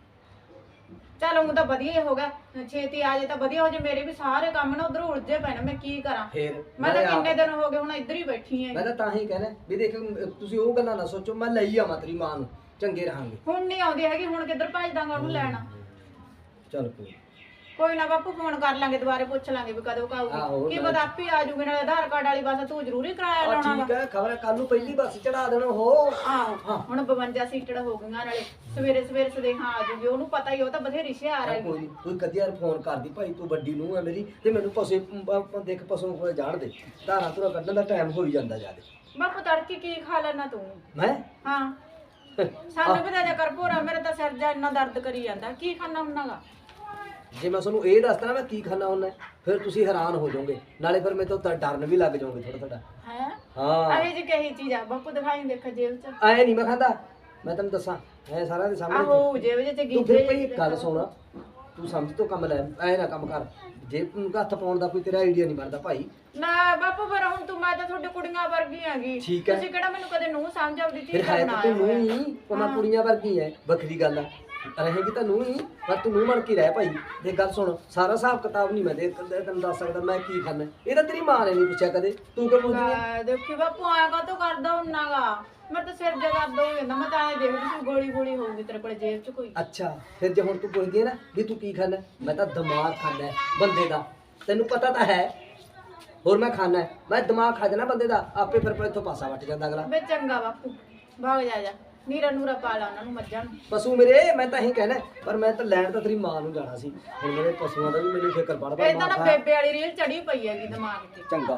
[SPEAKER 2] ਚੱਲ ਉਹ ਤਾਂ ਵਧੀਆ ਹੀ ਹੋਗਾ, ਛੇਤੀ ਆ ਜੇ ਤਾਂ ਵਧੀਆ ਹੋ ਜੇ। ਮੇਰੇ ਵੀ ਸਾਰੇ ਕੰਮ ਨਾ ਉਧਰ ਉਲਝੇ ਪਏ ਨੇ, ਮੈਂ ਕੀ ਕਰਾਂ।
[SPEAKER 1] ਫੇਰ
[SPEAKER 2] ਮੈਂ ਤਾਂ ਕਿੰਨੇ ਦਿਨ ਹੋ ਗਏ ਹੁਣ ਇੱਧਰ ਹੀ ਬੈਠੀ ਆਂ।
[SPEAKER 1] ਮੈਂ ਤਾਂ ਹੀ ਕਹਿਣਾ ਵੀ ਦੇਖ ਤੁਸੀਂ ਉਹ ਗੱਲਾਂ ਨਾ ਸੋਚੋ। ਮੈਂ ਲਈ ਆਵਾਂ ਤੇਰੀ ਮਾਂ ਨੂੰ, ਚੰਗੇ ਰਹਾਂਗੇ।
[SPEAKER 2] ਹੁਣ ਨਹੀਂ ਆਉਂਦੀ ਹੈਗੀ, ਹੁਣ ਕਿੱਧਰ ਭੱਜ ਦਾਂਗਾ ਉਹਨੂੰ ਲੈਣਾ।
[SPEAKER 1] ਚੱਲ
[SPEAKER 2] ਕੋਈ ਨਾ ਬਾਪੂ ਫੋਨ ਕਰ ਲਾਂਗੇ, ਦੁਬਾਰੇ ਪੁੱਛ ਲਾਂਗੇ ਵੀ ਕਦੋਂ ਆਊਗੀ। ਕੀ ਪਤਾ ਆਪੇ ਆ ਜੂਗੇ। ਨਾਲ ਆਧਾਰ ਕਾਰਡ ਵਾਲੀ ਬੱਸ ਤੂੰ ਜ਼ਰੂਰੀ ਕਿਰਾਇਆ ਲਾਉਣਾ ਵਾ।
[SPEAKER 1] ਠੀਕ ਹੈ, ਖਬਰ ਕੱਲ ਨੂੰ ਪਹਿਲੀ ਬੱਸ ਚੜਾ ਦੇਣਾ ਹੋ।
[SPEAKER 2] ਆਹੋ ਹੁਣ 52 ਸੀਟੜ ਹੋ ਗਈਆਂ, ਨਾਲੇ ਸਵੇਰੇ ਸੁਦੇਹਾ ਆ ਜੂਗੀ। ਉਹਨੂੰ ਪਤਾ ਹੀ, ਉਹ ਤਾਂ ਬਥੇਰੀ ਹੁਸ਼ਿਆਰ ਹੈ।
[SPEAKER 1] ਕੋਈ ਕੋਈ ਕਦੀ ਫੋਨ ਕਰਦੀ ਭਾਈ ਤੂੰ ਵੱਡੀ ਨੂੰ ਹੈ ਮੇਰੀ, ਤੇ ਮੈਨੂੰ ਪਸ਼ੂ ਦੇਖ ਪਸ਼ੂ ਕੋਲ ਜਾਣ ਦੇ। ਧਾਰਾਂ ਧੁਰਾ ਕੱਢਣ ਦਾ ਟਾਈਮ ਹੋਈ ਜਾਂਦਾ ਜਿਆਦਾ।
[SPEAKER 2] ਬਾਪੂ ਤੜਕੀ ਕੀ ਖਾ ਲੈਣਾ ਤੂੰ?
[SPEAKER 1] ਮੈਂ
[SPEAKER 2] ਹਾਂ ਸਾਨੂੰ ਵੀ ਤਾਂ ਜਾ ਕਰ ਭੋਰਾ, ਮੇਰਾ ਤਾਂ ਸਿਰ ਜਾ ਇੰਨਾ ਦਰਦ ਕਰੀ ਜਾਂਦਾ। ਕੀ ਖਾਣਾ ਹੁੰਨਾਗਾ?
[SPEAKER 1] ਜੇ ਮੈਂ ਤੁਹਾਨੂੰ ਇਹ ਦੱਸਦਾ ਨਾ ਮੈਂ ਕੀ ਖਾਣਾ ਹੁੰਦਾ, ਫਿਰ ਤੁਸੀਂ ਹੈਰਾਨ ਹੋ ਜਾਓਗੇ। ਨਾਲੇ ਫਿਰ ਮੇਰੇ ਤੋਂ ਡਰਨ ਵੀ ਲੱਗ ਜਾਓਗੇ ਥੋੜਾ।
[SPEAKER 2] ਹੈ
[SPEAKER 1] ਹਾਂ
[SPEAKER 2] ਇਹ ਜੀ ਕਹੀ ਚੀਜ਼ ਆ ਬਾਪੂ? ਦਿਖਾਈ ਦੇਖ ਜੇਬ ਚ।
[SPEAKER 1] ਐ ਨਹੀਂ ਮੈਂ ਖਾਂਦਾ, ਮੈਂ ਤੈਨੂੰ ਦੱਸਾਂ ਐ ਸਾਰਿਆਂ ਦੇ ਸਾਹਮਣੇ।
[SPEAKER 2] ਆਹੋ ਜੇਬ ਚ
[SPEAKER 1] ਤੂੰ
[SPEAKER 2] ਗੀਜੇ।
[SPEAKER 1] ਫਿਰ ਭਈ ਇੱਕ ਗੱਲ ਸੁਣ, ਤੂੰ ਸਮਝ ਤੋਂ ਕੰਮ ਲੈ, ਐ ਨਾ ਕੰਮ ਕਰ। ਜੇ ਤੂੰ ਹੱਥ ਪਾਉਣ ਦਾ ਕੋਈ ਤੇਰਾ ਆਈਡੀਆ ਨਹੀਂ ਬਣਦਾ ਭਾਈ।
[SPEAKER 2] ਨਾ ਬਾਪੂ ਪਰ ਹੁਣ ਤੂੰ ਮੈਂ ਤਾਂ ਤੁਹਾਡੇ ਕੁੜੀਆਂ ਵਰਗੀ ਹੈਗੀ
[SPEAKER 1] ਠੀਕ ਹੈ।
[SPEAKER 2] ਤੁਸੀਂ ਕਿਹੜਾ ਮੈਨੂੰ ਕਦੇ ਨੂੰ ਸਮਝ ਆਉਂਦੀ ਸੀ
[SPEAKER 1] ਫਿਰ ਹੈ ਤਾਂ ਤੂੰ ਨੂੰ ਹੀ, ਪਮਾ ਕੁੜੀਆਂ ਵਰਗੀ ਐ, ਵੱਖਰੀ ਗੱਲ ਆ। ਰਹੇਗੀ ਤਾਂ ਨੂੰ ਹੀ, ਪਰ ਤੂੰ ਨੂੰ ਬਣ ਕੇ ਰਹਿ ਭਾਈ। ਦੇਖ ਗੱਲ ਸੁਣ, ਸਾਰਾ ਹਿਸਾਬ ਕਿਤਾਬ ਨਹੀਂ ਮੈਂ ਤੈਨੂੰ ਦੱਸ ਸਕਦਾ ਮੈਂ ਕੀ ਖਾਣਾ। ਇਹ ਤਾਂ ਤੇਰੀ ਮਾਂ ਨੇ ਨਹੀਂ ਪੁੱਛਿਆ ਕਦੇ, ਤੂੰ ਕਿਉਂ ਪੁੱਛਦੀ ਐ?
[SPEAKER 2] ਦੇਖੀ ਬਾਪੂ ਆਇਆ ਕਾ ਤੋਂ ਕਰਦਾ ਹੁੰਨਾਗਾ, ਮੈਂ ਤਾਂ ਸਿਰ ਜਗਾ ਦੋ ਹੋ ਜਾਂਦਾ। ਮੈਂ ਤਾਂ ਐ ਦੇਖਦੀ ਸੀ ਗੋਲੀ ਗੋਲੀ ਹੋਊਗੀ ਤੇਰੇ ਕੋਲ ਜੇਬ 'ਚ ਕੋਈ।
[SPEAKER 1] ਅੱਛਾ ਫਿਰ ਜੇ ਹੁਣ ਤੂੰ ਪੁੱਛਦੀ ਹੈ ਨਾ ਵੀ ਤੂੰ ਕੀ ਖਾਣਾ, ਮੈਂ ਤਾਂ ਦਿਮਾਗ ਖਾਣਾ ਬੰਦੇ ਦਾ, ਤੈਨੂੰ ਪਤਾ ਤਾਂ ਹੈ। ਹੋਰ ਮੈਂ ਖਾਣਾ, ਮੈਂ ਦਿਮਾਗ ਖਾ ਜਾਣਾ ਬੰਦੇ ਦਾ, ਆਪੇ ਫਿਰ ਇੱਥੋਂ ਪਾਸਾ ਵੱਟ ਜਾਂਦਾ ਅਗਲਾ।
[SPEAKER 2] ਬੇ ਚੰਗਾ ਬਾਪੂ ਭਾਗ ਜਾ ਨੀਰਾ ਨੂਰਾ ਪਾ ਲਾ ਉਹਨਾਂ ਨੂੰ, ਮੱਝਾਂ ਨੂੰ।
[SPEAKER 1] ਪਸ਼ੂ ਮੇਰੇ ਮੈਂ ਤਾਂ ਇਹੀ ਕਹਿਣਾ, ਪਰ ਮੈਂ ਤਾਂ ਲੈਣ ਤਾਂ ਤੇਰੀ ਮਾਂ ਨੂੰ ਜਾਣਾ ਸੀ। ਹੁਣ ਮੇਰੇ ਪਸ਼ੂਆਂ ਦਾ ਵੀ ਮੈਨੂੰ ਫਿਕਰ ਪੜਦਾ।
[SPEAKER 2] ਇਹ ਤਾਂ ਨਾ ਬੇਬੇ ਵਾਲੀ ਰੀਲ ਚੜੀ ਪਈ ਹੈਗੀ ਦਿਮਾਗ 'ਤੇ।
[SPEAKER 1] ਚੰਗਾ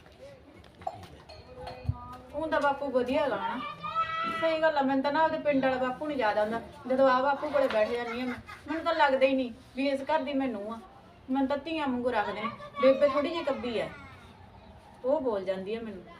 [SPEAKER 2] ਹੁੰਦਾ ਬਾਪੂ ਵਧੀਆ ਗਾਣਾ, ਸਹੀ ਗੱਲ ਆ। ਮੈਨੂੰ ਤਾਂ ਨਾ ਉਹਦੇ ਪਿੰਡ ਵਾਲਾ ਬਾਪੂ ਨਹੀਂ ਯਾਦ ਆਉਂਦਾ, ਜਦੋਂ ਆ ਬਾਪੂ ਕੋਲੇ ਬੈਠ ਜਾਂਦੀ ਆ ਮੈਨੂੰ ਤਾਂ ਲੱਗਦਾ ਹੀ ਨਹੀਂ ਵੀ ਇਸ ਘਰ ਦੀ ਮੈਨੂੰ ਆ। ਮੈਨੂੰ ਤਾਂ ਧੀਆਂ ਵਾਂਗੂ ਰੱਖਦੇ ਨੇ। ਬੇਬੇ ਥੋੜੀ ਜਿਹੀ ਕੱਬੀ ਆ, ਉਹ ਬੋਲ ਜਾਂਦੀ ਆ ਮੈਨੂੰ।